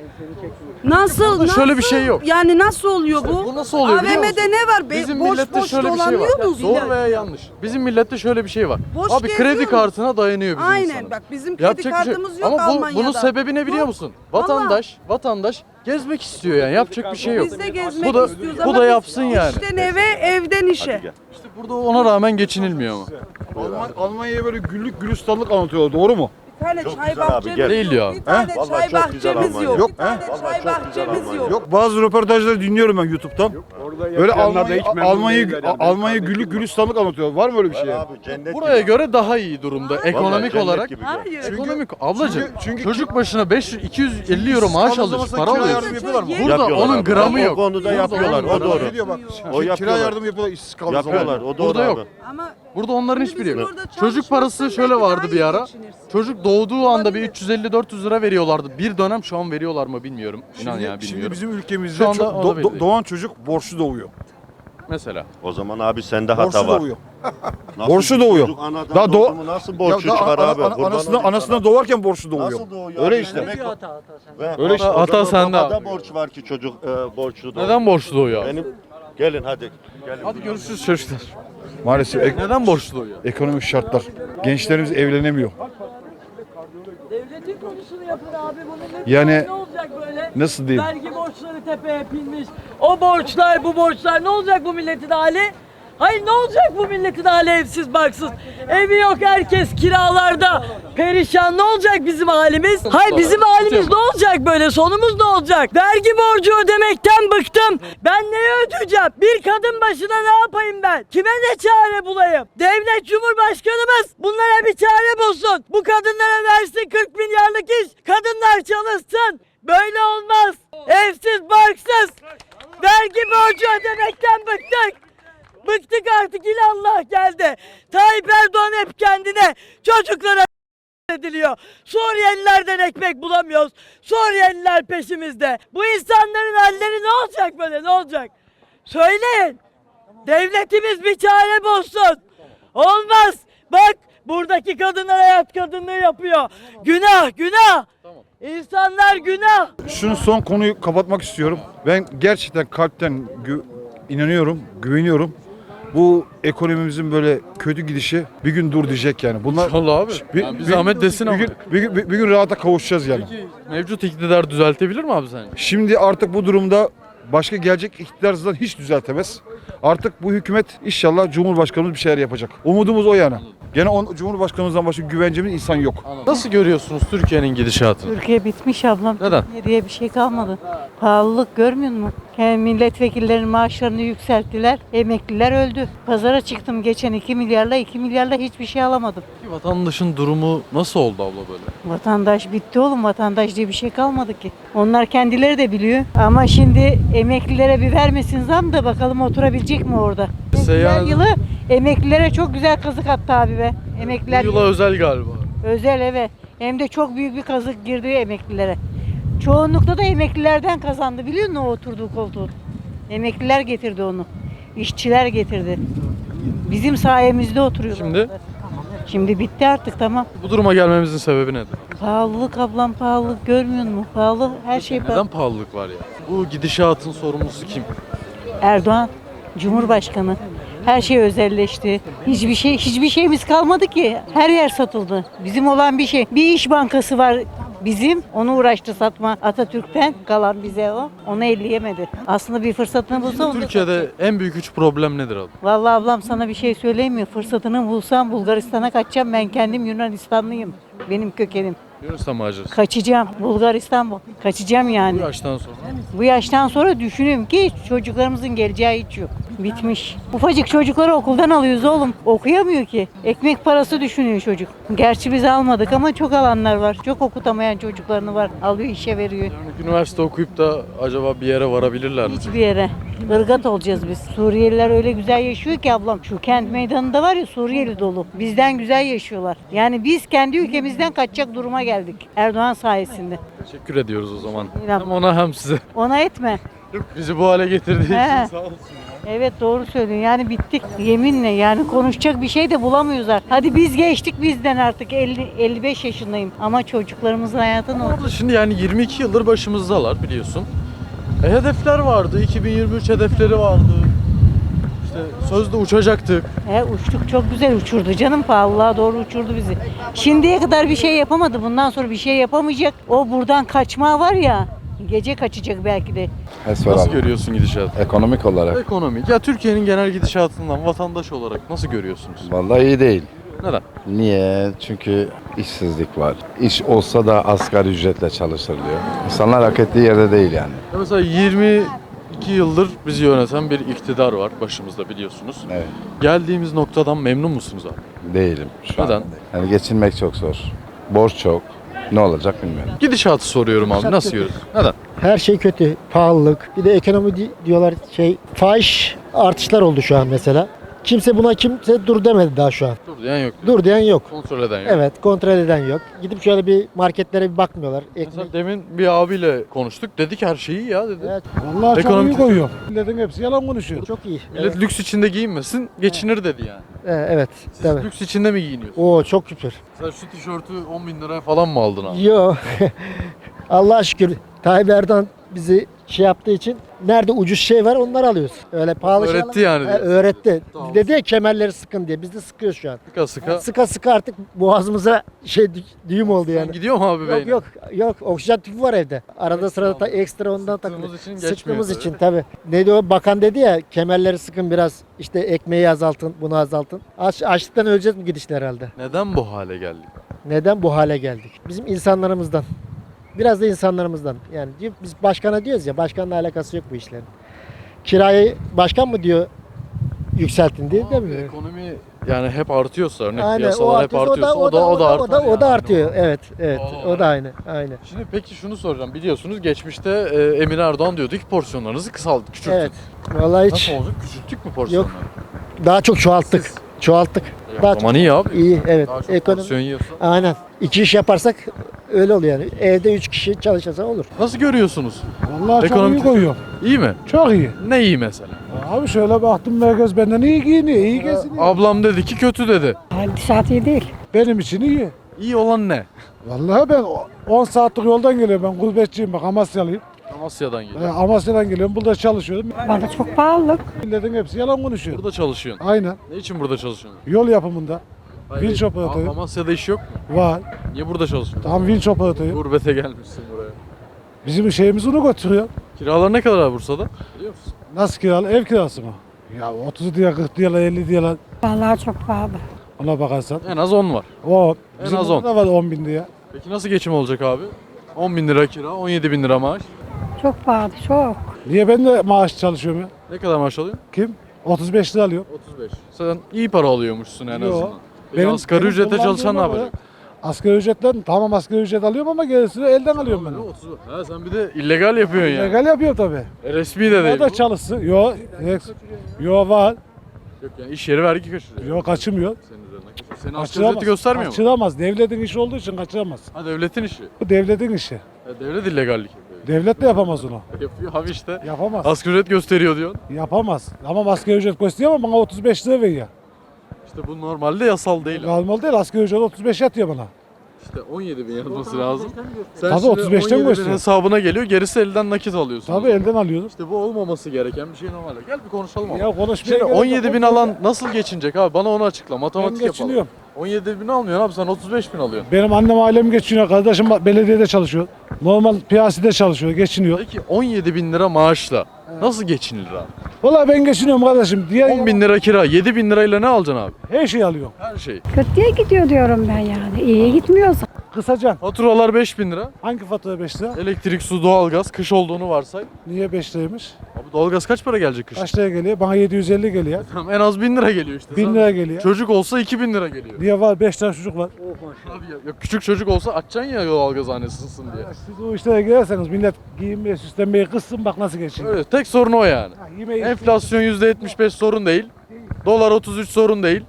[SPEAKER 5] Nasıl?
[SPEAKER 1] Burada
[SPEAKER 5] nasıl?
[SPEAKER 1] şöyle bir şey yok.
[SPEAKER 5] Yani nasıl oluyor bu?
[SPEAKER 1] Bu nasıl oluyor biliyor musun?
[SPEAKER 5] A V M'de ne var? Be-
[SPEAKER 1] Bizim
[SPEAKER 5] boş
[SPEAKER 1] millette
[SPEAKER 5] boş
[SPEAKER 1] şöyle bir şey var.
[SPEAKER 5] dolanıyoruz
[SPEAKER 1] Doğru
[SPEAKER 5] ya.
[SPEAKER 1] veya yanlış. Bizim millette şöyle bir şey var.
[SPEAKER 5] Boş
[SPEAKER 1] Abi kredi
[SPEAKER 5] geziyoruz.
[SPEAKER 1] kartına dayanıyor bizim
[SPEAKER 5] Aynen
[SPEAKER 1] insanımız.
[SPEAKER 5] bak bizim kredi
[SPEAKER 1] Yapacak bir şey-
[SPEAKER 5] kartımız yok
[SPEAKER 1] Ama bu,
[SPEAKER 5] Almanya'da.
[SPEAKER 1] bunun sebebi ne biliyor
[SPEAKER 5] Yok.
[SPEAKER 1] musun? Vatandaş, vatandaş gezmek istiyor yani. Yapacak bir şey yok.
[SPEAKER 5] Biz de gezmek
[SPEAKER 1] Bu da
[SPEAKER 5] istiyoruz
[SPEAKER 1] bu
[SPEAKER 5] ama
[SPEAKER 1] da
[SPEAKER 5] biz
[SPEAKER 1] yapsın yani.
[SPEAKER 5] İşten eve, evden işe.
[SPEAKER 4] Hadi gel.
[SPEAKER 1] İşte burada ona rağmen geçinilmiyor ama.
[SPEAKER 6] Alman, Almanya'ya böyle güllük gülistanlık anlatıyorlar, doğru mu?
[SPEAKER 5] Bir tane
[SPEAKER 4] Çok
[SPEAKER 5] çay
[SPEAKER 4] güzel abi,
[SPEAKER 5] bahçemiz
[SPEAKER 4] gel.
[SPEAKER 1] Değil
[SPEAKER 5] yok.
[SPEAKER 1] diyor
[SPEAKER 5] Bir
[SPEAKER 1] abi.
[SPEAKER 5] tane
[SPEAKER 4] Vallahi
[SPEAKER 5] çay
[SPEAKER 4] çok güzel
[SPEAKER 5] bahçemiz
[SPEAKER 4] Almanya.
[SPEAKER 5] yok.
[SPEAKER 6] Yok,
[SPEAKER 5] Bir tane
[SPEAKER 4] he? Vallahi
[SPEAKER 5] çay
[SPEAKER 4] çok güzel
[SPEAKER 5] bahçemiz
[SPEAKER 4] Almanya.
[SPEAKER 5] yok.
[SPEAKER 6] Yok, bazı röportajları dinliyorum ben YouTube'dan. Böyle Almanya, Almanya, Almanya güllük gülistanlık anlatıyor. Var mı öyle bir şey? ya?
[SPEAKER 4] Abi cennet
[SPEAKER 1] Buraya
[SPEAKER 4] gibi.
[SPEAKER 1] göre daha iyi durumda ekonomik
[SPEAKER 4] cennet
[SPEAKER 1] olarak.
[SPEAKER 4] gibi.
[SPEAKER 5] Hayır.
[SPEAKER 1] Ekonomik ablacığım
[SPEAKER 6] çünkü- çünkü-
[SPEAKER 1] çocuk başına beş yüz iki yüz elli euro maaş
[SPEAKER 6] Kaldığınız
[SPEAKER 1] alıyorsun,
[SPEAKER 6] zaman
[SPEAKER 1] para
[SPEAKER 6] kira
[SPEAKER 1] alıyorsun.
[SPEAKER 6] yardım yapıyorlar mı?
[SPEAKER 1] Burada
[SPEAKER 4] Yapıyorlar
[SPEAKER 1] onun
[SPEAKER 4] abi.
[SPEAKER 1] gramı
[SPEAKER 4] O
[SPEAKER 1] yok.
[SPEAKER 4] konuda
[SPEAKER 1] Burada
[SPEAKER 4] yapıyorlar,
[SPEAKER 1] onun
[SPEAKER 4] o
[SPEAKER 1] gramı
[SPEAKER 4] doğru.
[SPEAKER 1] yok.
[SPEAKER 6] Ne diyor bak?
[SPEAKER 4] O
[SPEAKER 6] Kira
[SPEAKER 4] yapıyorlar.
[SPEAKER 6] yardım yapıyorlar işsiz kaldığı zaman.
[SPEAKER 4] Yapıyorlar o doğru
[SPEAKER 1] Burada
[SPEAKER 4] abi.
[SPEAKER 1] yok.
[SPEAKER 5] Ama
[SPEAKER 1] Burada onların
[SPEAKER 5] Şimdi
[SPEAKER 1] hiçbiri
[SPEAKER 5] bizim
[SPEAKER 1] yok.
[SPEAKER 5] orada
[SPEAKER 1] Çocuk
[SPEAKER 5] çalışmazsan
[SPEAKER 1] parası
[SPEAKER 5] belki
[SPEAKER 1] şöyle
[SPEAKER 5] daha
[SPEAKER 1] vardı
[SPEAKER 5] iyi
[SPEAKER 1] bir ara.
[SPEAKER 5] geçinirsin.
[SPEAKER 1] Çocuk doğduğu anda bir
[SPEAKER 5] Olabilir.
[SPEAKER 1] üç yüz elli dört yüz lira veriyorlardı. Bir dönem şu an veriyorlar mı bilmiyorum. İnan
[SPEAKER 6] Şimdi,
[SPEAKER 1] ya
[SPEAKER 6] şimdi
[SPEAKER 1] bilmiyorum.
[SPEAKER 6] bizim ülkemizde
[SPEAKER 1] Şu anda
[SPEAKER 6] çok,
[SPEAKER 1] o da
[SPEAKER 6] do-
[SPEAKER 1] belli
[SPEAKER 6] do-
[SPEAKER 1] değil.
[SPEAKER 6] doğan çocuk borçlu doğuyor.
[SPEAKER 1] Mesela.
[SPEAKER 4] O zaman abi sende hata
[SPEAKER 6] Borçlu
[SPEAKER 4] var.
[SPEAKER 6] doğuyor.
[SPEAKER 4] Nasıl
[SPEAKER 6] Borçlu
[SPEAKER 4] bir
[SPEAKER 6] doğuyor.
[SPEAKER 4] çocuk anadan
[SPEAKER 6] Daha
[SPEAKER 4] doğdu
[SPEAKER 6] doğ-
[SPEAKER 4] mu nasıl
[SPEAKER 6] Ya
[SPEAKER 4] borçlu
[SPEAKER 6] da
[SPEAKER 4] çıkar
[SPEAKER 6] ana-
[SPEAKER 4] abi?
[SPEAKER 6] ana-
[SPEAKER 4] Kurban
[SPEAKER 6] anasına,
[SPEAKER 4] olayım
[SPEAKER 6] anasına
[SPEAKER 4] sana.
[SPEAKER 6] doğarken borçlu doğuyor.
[SPEAKER 4] Nasıl doğuyor?
[SPEAKER 6] Öyle
[SPEAKER 4] abi?
[SPEAKER 6] işte.
[SPEAKER 4] Demek o- Ve
[SPEAKER 6] Öyle işte.
[SPEAKER 4] o
[SPEAKER 1] Hata
[SPEAKER 4] zaman
[SPEAKER 1] sende
[SPEAKER 4] babada
[SPEAKER 1] abi.
[SPEAKER 4] borç var ki çocuk e, borçlu doğuyor.
[SPEAKER 1] Neden borçlu doğuyor?
[SPEAKER 4] Benim gelin hadi. Gelin.
[SPEAKER 1] Hadi görüşürüz çocuklar.
[SPEAKER 6] Maalesef ek-
[SPEAKER 1] Neden borçlu doğuyor?
[SPEAKER 6] ekonomik şartlar. Gençlerimiz evlenemiyor.
[SPEAKER 7] Devletin konusunu yapın abi bunun
[SPEAKER 6] Yani
[SPEAKER 7] ne olacak böyle?
[SPEAKER 6] nasıl diyeyim?
[SPEAKER 7] Vergi borçları tepeye binmiş. O borçlar bu borçlar ne olacak bu milletin hali? Hayır ne olacak bu milletin hali evsiz barksız? Evi yok herkes kiralarda. Perişan ne olacak bizim halimiz? Hayır bizim halimiz ne olacak böyle? Sonumuz ne olacak? Vergi borcu ödemekten bıktım. Ben neye ödeyeceğim? Bir kadın başına ne yapayım ben? Kime ne çare bulayım? Devlet Cumhurbaşkanımız bunlara bir çare bulsun. Bu kadınlara versin kırk milyarlık iş. Kadınlar çalışsın. Böyle olmaz. Evsiz barksız. Vergi borcu ödemekten bıktık. Bıktık artık ilallah geldi. Tayyip Erdoğan hep kendine çocuklara ediliyor. Suriyelilerden ekmek bulamıyoruz. Suriyeliler peşimizde. Bu insanların halleri ne olacak böyle ne olacak? Söyleyin. Devletimiz bir çare bulsun. Olmaz. Bak buradaki kadınlar hayat kadınlığı yapıyor. Günah günah. İnsanlar günah.
[SPEAKER 6] Şunu son konuyu kapatmak istiyorum. Ben gerçekten kalpten gü- inanıyorum, güveniyorum. Bu ekonomimizin böyle kötü gidişi bir gün dur diyecek yani. Bunlar
[SPEAKER 1] İnşallah abi.
[SPEAKER 6] Bir,
[SPEAKER 1] Yani bir zahmet desin
[SPEAKER 6] bir
[SPEAKER 1] ama.
[SPEAKER 6] gün, bir, gün, bir, bir gün rahata kavuşacağız yani.
[SPEAKER 1] Peki mevcut iktidar düzeltebilir mi abi sence?
[SPEAKER 6] Şimdi artık bu durumda başka gelecek iktidar zaten hiç düzeltemez. Artık bu hükümet inşallah Cumhurbaşkanımız bir şeyler yapacak. Umudumuz o yana. Gene on, Cumhurbaşkanımızdan başka güvencemiz insan yok.
[SPEAKER 1] Nasıl görüyorsunuz Türkiye'nin gidişatını?
[SPEAKER 8] Türkiye bitmiş ablam.
[SPEAKER 1] Neden?
[SPEAKER 8] Türkiye diye bir şey kalmadı. Pahalılık görmüyor musun? Kendi milletvekillerinin maaşlarını yükselttiler. Emekliler öldü. Pazara çıktım geçen iki milyarla iki milyarla hiçbir şey alamadım.
[SPEAKER 1] Peki vatandaşın durumu nasıl oldu abla böyle?
[SPEAKER 8] Vatandaş bitti oğlum. Vatandaş diye bir şey kalmadı ki. Onlar kendileri de biliyor. Ama şimdi emeklilere bir vermesin zam da bakalım oturabilecek mi orada?
[SPEAKER 1] Seyyanen-
[SPEAKER 8] Her yılı emeklilere çok güzel kazık attı abi be. Emekliler
[SPEAKER 1] Bu yıla özel galiba.
[SPEAKER 8] özel evet. Hem de çok büyük bir kazık girdi emeklilere. Çoğunlukla da emeklilerden kazandı biliyor musun o oturduğu koltuğu? Emekliler getirdi onu. İşçiler getirdi. Bizim sayemizde oturuyor.
[SPEAKER 1] Şimdi?
[SPEAKER 8] Şimdi bitti artık tamam.
[SPEAKER 1] Bu duruma gelmemizin sebebi nedir?
[SPEAKER 8] Pahalılık ablam pahalılık görmüyor musun? Pahalı her şey pahalı.
[SPEAKER 1] Neden pahalılık var ya? Bu gidişatın sorumlusu kim?
[SPEAKER 8] Erdoğan Cumhurbaşkanı. Her şey özelleşti. Hiçbir şey hiçbir şeyimiz kalmadı ki. Her yer satıldı. Bizim olan bir şey. Bir iş bankası var bizim. Onu uğraştı satma. Atatürk'ten kalan bize o. Onu elleyemedi. Aslında bir fırsatını bulsa onu da
[SPEAKER 1] Türkiye'de en büyük üç problem nedir abi?
[SPEAKER 8] Vallahi ablam sana bir şey söyleyeyim mi? Fırsatını bulsam Bulgaristan'a kaçacağım. Ben kendim Yunanistanlıyım. Benim kökenim.
[SPEAKER 1] Yunanistan macerası.
[SPEAKER 8] Kaçacağım. Bulgaristan bu. Kaçacağım yani.
[SPEAKER 1] Bu yaştan sonra.
[SPEAKER 8] Bu yaştan sonra düşünüyorum ki çocuklarımızın geleceği hiç yok. Bitmiş. Ufacık çocukları okuldan alıyoruz oğlum. Okuyamıyor ki. Ekmek parası düşünüyor çocuk. Gerçi biz almadık ama çok alanlar var. Çok okutamayan çocuklarını var. Alıyor işe veriyor.
[SPEAKER 1] Yani üniversite okuyup da acaba bir yere varabilirler mi?
[SPEAKER 8] Hiçbir yere. Irgat olacağız biz. Suriyeliler öyle güzel yaşıyor ki ablam. Şu kent meydanında var ya Suriyeli dolu. Bizden güzel yaşıyorlar. Yani biz kendi ülkemizden kaçacak duruma geldik. Erdoğan sayesinde.
[SPEAKER 1] Teşekkür ediyoruz o zaman.
[SPEAKER 8] İnan.
[SPEAKER 1] Hem ona hem size.
[SPEAKER 8] Ona etme.
[SPEAKER 1] Bizi bu hale getirdiği
[SPEAKER 8] He.
[SPEAKER 1] için sağ olsun.
[SPEAKER 8] Evet doğru söylüyorsun. Yani bittik. Yeminle yani konuşacak bir şey de bulamıyoruz artık. Hadi biz geçtik bizden artık. elli elli beş yaşındayım. Ama çocuklarımızın hayatı ne oldu?
[SPEAKER 1] Abla şimdi yani yirmi iki yıldır başımızdalar biliyorsun. E, hedefler vardı. iki bin yirmi üç hedefleri vardı. İşte sözde uçacaktık.
[SPEAKER 8] He, uçtuk çok güzel uçurdu canım. Pahalılığa doğru uçurdu bizi. Şimdiye kadar bir şey yapamadı. Bundan sonra bir şey yapamayacak. O buradan kaçma var ya. Gece kaçacak belki de.
[SPEAKER 1] Nasıl görüyorsun gidişatı?
[SPEAKER 9] Ekonomik olarak.
[SPEAKER 1] Ekonomik. Ya Türkiye'nin genel gidişatından vatandaş olarak nasıl görüyorsunuz?
[SPEAKER 9] Vallahi iyi değil.
[SPEAKER 1] Neden?
[SPEAKER 9] Niye? Çünkü işsizlik var. İş olsa da asgari ücretle çalıştırılıyor. İnsanlar hak ettiği yerde değil yani.
[SPEAKER 1] Ya mesela yirmi iki yıldır bizi yöneten bir iktidar var başımızda biliyorsunuz.
[SPEAKER 9] Evet.
[SPEAKER 1] Geldiğimiz noktadan memnun musunuz abi?
[SPEAKER 9] Değilim şu
[SPEAKER 1] Neden?
[SPEAKER 9] an. Yani geçinmek çok zor. Borç çok. Ne olacak bilmiyorum.
[SPEAKER 1] Gidişatı soruyorum abi. Nasıl görüyorsun? Neden?
[SPEAKER 10] Her şey kötü, pahalılık. Bir de ekonomi di- diyorlar şey, fahiş artışlar oldu şu an mesela. Kimse buna kimse dur demedi daha şu an.
[SPEAKER 1] Dur diyen yok.
[SPEAKER 10] Dur diyen yok.
[SPEAKER 1] Kontrol eden yok.
[SPEAKER 10] Evet, kontrol eden yok. Gidip şöyle bir marketlere bir bakmıyorlar. Ekmek.
[SPEAKER 1] Mesela demin bir abiyle konuştuk. Dedi ki her şey iyi ya dedi.
[SPEAKER 10] Evet,
[SPEAKER 6] Vallahi
[SPEAKER 1] Ekonomik-
[SPEAKER 6] çok iyi koyuyor. Milletin hepsi yalan konuşuyor.
[SPEAKER 10] çok iyi.
[SPEAKER 1] Millet
[SPEAKER 10] Evet,
[SPEAKER 1] lüks içinde giyinmesin, geçinir dedi yani.
[SPEAKER 10] evet, evet.
[SPEAKER 1] Siz
[SPEAKER 10] Tabii.
[SPEAKER 1] lüks içinde mi giyiniyorsunuz?
[SPEAKER 10] Oo çok şükür.
[SPEAKER 1] Sen şu tişörtü on bin liraya falan mı aldın abi?
[SPEAKER 10] Yo. Allah'a şükür Tayyip Erdoğan bizi şey yaptığı için nerede ucuz şey var onları alıyoruz. Öyle pahalı şey
[SPEAKER 1] Öğretti
[SPEAKER 10] alamıyoruz.
[SPEAKER 1] yani
[SPEAKER 10] He,
[SPEAKER 1] diyorsun.
[SPEAKER 10] öğretti.
[SPEAKER 1] Tamam.
[SPEAKER 10] Dedi ya kemerleri sıkın diye. Biz de sıkıyoruz şu an.
[SPEAKER 1] Sıka sıka.
[SPEAKER 10] Sıka sıka artık boğazımıza şey dü- düğüm oldu yani.
[SPEAKER 1] Gidiyor mu abi
[SPEAKER 10] Yok
[SPEAKER 1] beynin?
[SPEAKER 10] yok yok oksijen tüpü var evde. Arada sırada ta-
[SPEAKER 1] alıyor.
[SPEAKER 10] ekstra ondan
[SPEAKER 1] Sıktığımız
[SPEAKER 10] takılıyor.
[SPEAKER 1] için geçmiyor
[SPEAKER 10] Sıktığımız
[SPEAKER 1] tabii.
[SPEAKER 10] için tabii. Neydi o bakan dedi ya kemerleri sıkın biraz işte ekmeği azaltın bunu azaltın. Aç, açlıktan öleceğiz bu gidişle herhalde.
[SPEAKER 1] Neden bu hale geldik?
[SPEAKER 10] Neden bu hale geldik? Bizim insanlarımızdan. Biraz da insanlarımızdan. Yani diyor- biz başkana diyoruz ya başkanla alakası yok bu işlerin. Kirayı başkan mı diyor yükseltin diye
[SPEAKER 1] Abi,
[SPEAKER 10] demiyor.
[SPEAKER 1] ekonomi yani hep artıyorsa örnek
[SPEAKER 10] Aynen,
[SPEAKER 1] piyasalar hep
[SPEAKER 10] artıyorsa
[SPEAKER 1] artıyorsa o da o da artar.
[SPEAKER 10] o da, o da
[SPEAKER 1] yani.
[SPEAKER 10] artıyor. Evet, evet.
[SPEAKER 1] Doğal
[SPEAKER 10] O
[SPEAKER 1] olarak.
[SPEAKER 10] da aynı. Aynı.
[SPEAKER 1] Şimdi peki şunu soracağım. Biliyorsunuz geçmişte e, Emine Erdoğan diyordu ki porsiyonlarınızı kısalttık, küçülttük.
[SPEAKER 10] Evet. Vallahi hiç
[SPEAKER 1] Nasıl olacak? Küçülttük mü porsiyonları?
[SPEAKER 10] daha çok çoğalttık. Çoğalttık.
[SPEAKER 1] Ya,
[SPEAKER 10] Daha
[SPEAKER 1] o zaman iyi abi.
[SPEAKER 10] iyi, evet.
[SPEAKER 1] Daha çok
[SPEAKER 10] Ekonomi.
[SPEAKER 1] porsiyon yiyorsa.
[SPEAKER 10] Aynen. İki iş yaparsak öyle oluyor yani. Evde üç kişi çalışırsa olur.
[SPEAKER 1] Nasıl görüyorsunuz?
[SPEAKER 11] Vallahi
[SPEAKER 1] Ekonomi
[SPEAKER 11] çok iyi koyuyor.
[SPEAKER 1] İyi mi?
[SPEAKER 11] Çok iyi.
[SPEAKER 1] Ne iyi mesela?
[SPEAKER 11] Abi şöyle baktım herkes benden iyi giyiniyor, iyi geziniyor.
[SPEAKER 1] Ablam dedi ki kötü dedi.
[SPEAKER 2] Gidişat iyi değil.
[SPEAKER 11] Benim için iyi.
[SPEAKER 1] İyi olan ne?
[SPEAKER 11] Vallahi ben on saatlik yoldan geliyorum. Ben gurbetçiyim bak Amasyalıyım.
[SPEAKER 1] Amasya'dan
[SPEAKER 11] Ee,
[SPEAKER 1] geliyor.
[SPEAKER 11] Amasya'dan geliyorum. Burada çalışıyorum.
[SPEAKER 2] Bana çok pahalılık.
[SPEAKER 11] Milletin hepsi yalan konuşuyor.
[SPEAKER 1] Burada çalışıyorsun.
[SPEAKER 11] Aynen.
[SPEAKER 1] Ne için burada çalışıyorsun?
[SPEAKER 11] Yol yapımında.
[SPEAKER 1] Hayır,
[SPEAKER 11] Vinç operatörü.
[SPEAKER 1] Am- Amasya'da iş yok mu?
[SPEAKER 11] Var.
[SPEAKER 1] Niye burada çalışıyorsun?
[SPEAKER 11] Tam vinç operatörü.
[SPEAKER 1] Gurbete gelmişsin buraya.
[SPEAKER 11] Bizim şeyimiz onu götürüyor.
[SPEAKER 1] Kiralar ne kadar abi Bursa'da? Biliyor musun?
[SPEAKER 11] Nasıl kiralı? Ev kirası mı? Ya otuz diye, kırk diye, elli diye
[SPEAKER 2] Vallahi çok pahalı.
[SPEAKER 11] ona bakarsan.
[SPEAKER 1] En az on var.
[SPEAKER 11] O
[SPEAKER 1] En
[SPEAKER 11] bizim
[SPEAKER 1] az
[SPEAKER 11] burada da var on bin diye.
[SPEAKER 1] Peki nasıl geçim olacak abi? on bin lira kira, on yedi bin lira maaş.
[SPEAKER 2] Çok pahalı, çok.
[SPEAKER 11] Niye ben de maaş çalışıyorum ya?
[SPEAKER 1] Ne kadar maaş alıyorsun?
[SPEAKER 11] Kim? otuz beş lira alıyor.
[SPEAKER 1] otuz beş. Sen iyi para alıyormuşsun en
[SPEAKER 11] Yo.
[SPEAKER 1] azından. Peki
[SPEAKER 11] Benim-
[SPEAKER 1] asgari
[SPEAKER 11] benim
[SPEAKER 1] ücrete
[SPEAKER 11] kullandığım
[SPEAKER 1] çalışan ne
[SPEAKER 11] o
[SPEAKER 1] yapacak?
[SPEAKER 11] Asgari ücretten tamam asgari ücret alıyorum ama gerisini elden alıyorum ben.
[SPEAKER 1] otuz. Ha sen bir de illegal yapıyorsun yani.
[SPEAKER 11] Legal yapıyor tabii.
[SPEAKER 1] E, resmi de değil.
[SPEAKER 11] O da
[SPEAKER 1] bu.
[SPEAKER 11] çalışsın. Yo, ex- yo var.
[SPEAKER 1] Yok yani iş yeri vergi kaçırıyor.
[SPEAKER 11] Yo kaçırmıyor.
[SPEAKER 1] Senin üzerinden kaçırıyor. Senin asgari
[SPEAKER 11] Kaçıramaz.
[SPEAKER 1] ücreti göstermiyor mu?
[SPEAKER 11] Kaçıramaz. Devletin işi olduğu için kaçıramaz.
[SPEAKER 1] Ha devletin işi.
[SPEAKER 11] Bu devletin işi.
[SPEAKER 1] Ya devlet illegallik yapıyor.
[SPEAKER 11] Devlet de yapamaz onu.
[SPEAKER 1] Yapıyor abi işte.
[SPEAKER 11] Yapamaz.
[SPEAKER 1] Asgari ücret gösteriyor diyorsun.
[SPEAKER 11] Yapamaz. Ama asgari ücret gösteriyor ama bana otuz beş lira veriyor.
[SPEAKER 1] İşte bu normalde yasal değil.
[SPEAKER 11] Normal değil. Asgari ücret otuz beş yatıyor bana.
[SPEAKER 1] İşte on yedi bin yazması lazım. Sen
[SPEAKER 11] Tabii
[SPEAKER 1] şimdi
[SPEAKER 11] otuz beşten
[SPEAKER 1] on yedi bin
[SPEAKER 11] gösteriyor.
[SPEAKER 1] hesabına geliyor, gerisi elden nakit alıyorsun.
[SPEAKER 11] Tabii elden alıyoruz.
[SPEAKER 1] İşte bu olmaması gereken bir şey normalde. Gel bir konuşalım ama.
[SPEAKER 11] Ya konuşmaya
[SPEAKER 1] Şimdi
[SPEAKER 11] gerek yok.
[SPEAKER 1] on yedi bin alan nasıl geçinecek abi? Bana onu açıkla.
[SPEAKER 11] Ben
[SPEAKER 1] Matematik yapalım.
[SPEAKER 11] geçiniyorum.
[SPEAKER 1] on yedi bin almıyorsun abi, sen otuz beş bin alıyorsun.
[SPEAKER 11] Benim annem ailem geçiniyor. Kardeşim belediyede çalışıyor. Normal piyasada çalışıyor. Geçiniyor.
[SPEAKER 1] Peki on yedi bin lira maaşla nasıl geçinilir abi?
[SPEAKER 11] Vallahi ben geçiniyorum kardeşim. Diğer
[SPEAKER 1] on bin lira kira, yedi bin lirayla ne alacaksın abi?
[SPEAKER 11] her şeyi alıyorum.
[SPEAKER 1] Her şey.
[SPEAKER 2] Kötüye gidiyor diyorum ben yani. İyiye gitmiyoruz.
[SPEAKER 11] Kısaca
[SPEAKER 1] Faturalar beş bin lira.
[SPEAKER 11] hangi fatura beş lira?
[SPEAKER 1] Elektrik, su, doğalgaz, kış olduğunu varsay.
[SPEAKER 11] Niye beş liraymış?
[SPEAKER 1] Abi doğalgaz kaç para gelecek kış?
[SPEAKER 11] Kaç liraya geliyor? Bana yedi yüz elli geliyor.
[SPEAKER 1] Tamam, en az bin lira geliyor işte.
[SPEAKER 11] bin
[SPEAKER 1] Sen-
[SPEAKER 11] lira geliyor.
[SPEAKER 1] Çocuk olsa iki bin lira geliyor.
[SPEAKER 11] Niye var? beş tane çocuk var.
[SPEAKER 1] Abi ya, ya küçük çocuk olsa açacaksın ya doğalgaz hanesi ısınsın diye.
[SPEAKER 11] Siz o işlere girerseniz millet giyinmeye, süslenmeye kızsın bak nasıl geçiniyor.
[SPEAKER 1] Öyle, tek sorun o yani.
[SPEAKER 11] Ha, yemeği
[SPEAKER 1] Enflasyon yüzde yetmiş beş sorun değil. Dolar otuz üç sorun değil.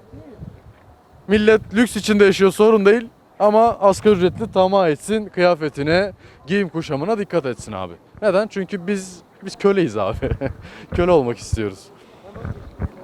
[SPEAKER 1] Millet lüks içinde yaşıyor sorun değil. Ama asgari ücretli tamah etsin, kıyafetine, giyim kuşamına dikkat etsin abi. Neden? Çünkü biz biz köleyiz abi. Köle olmak istiyoruz.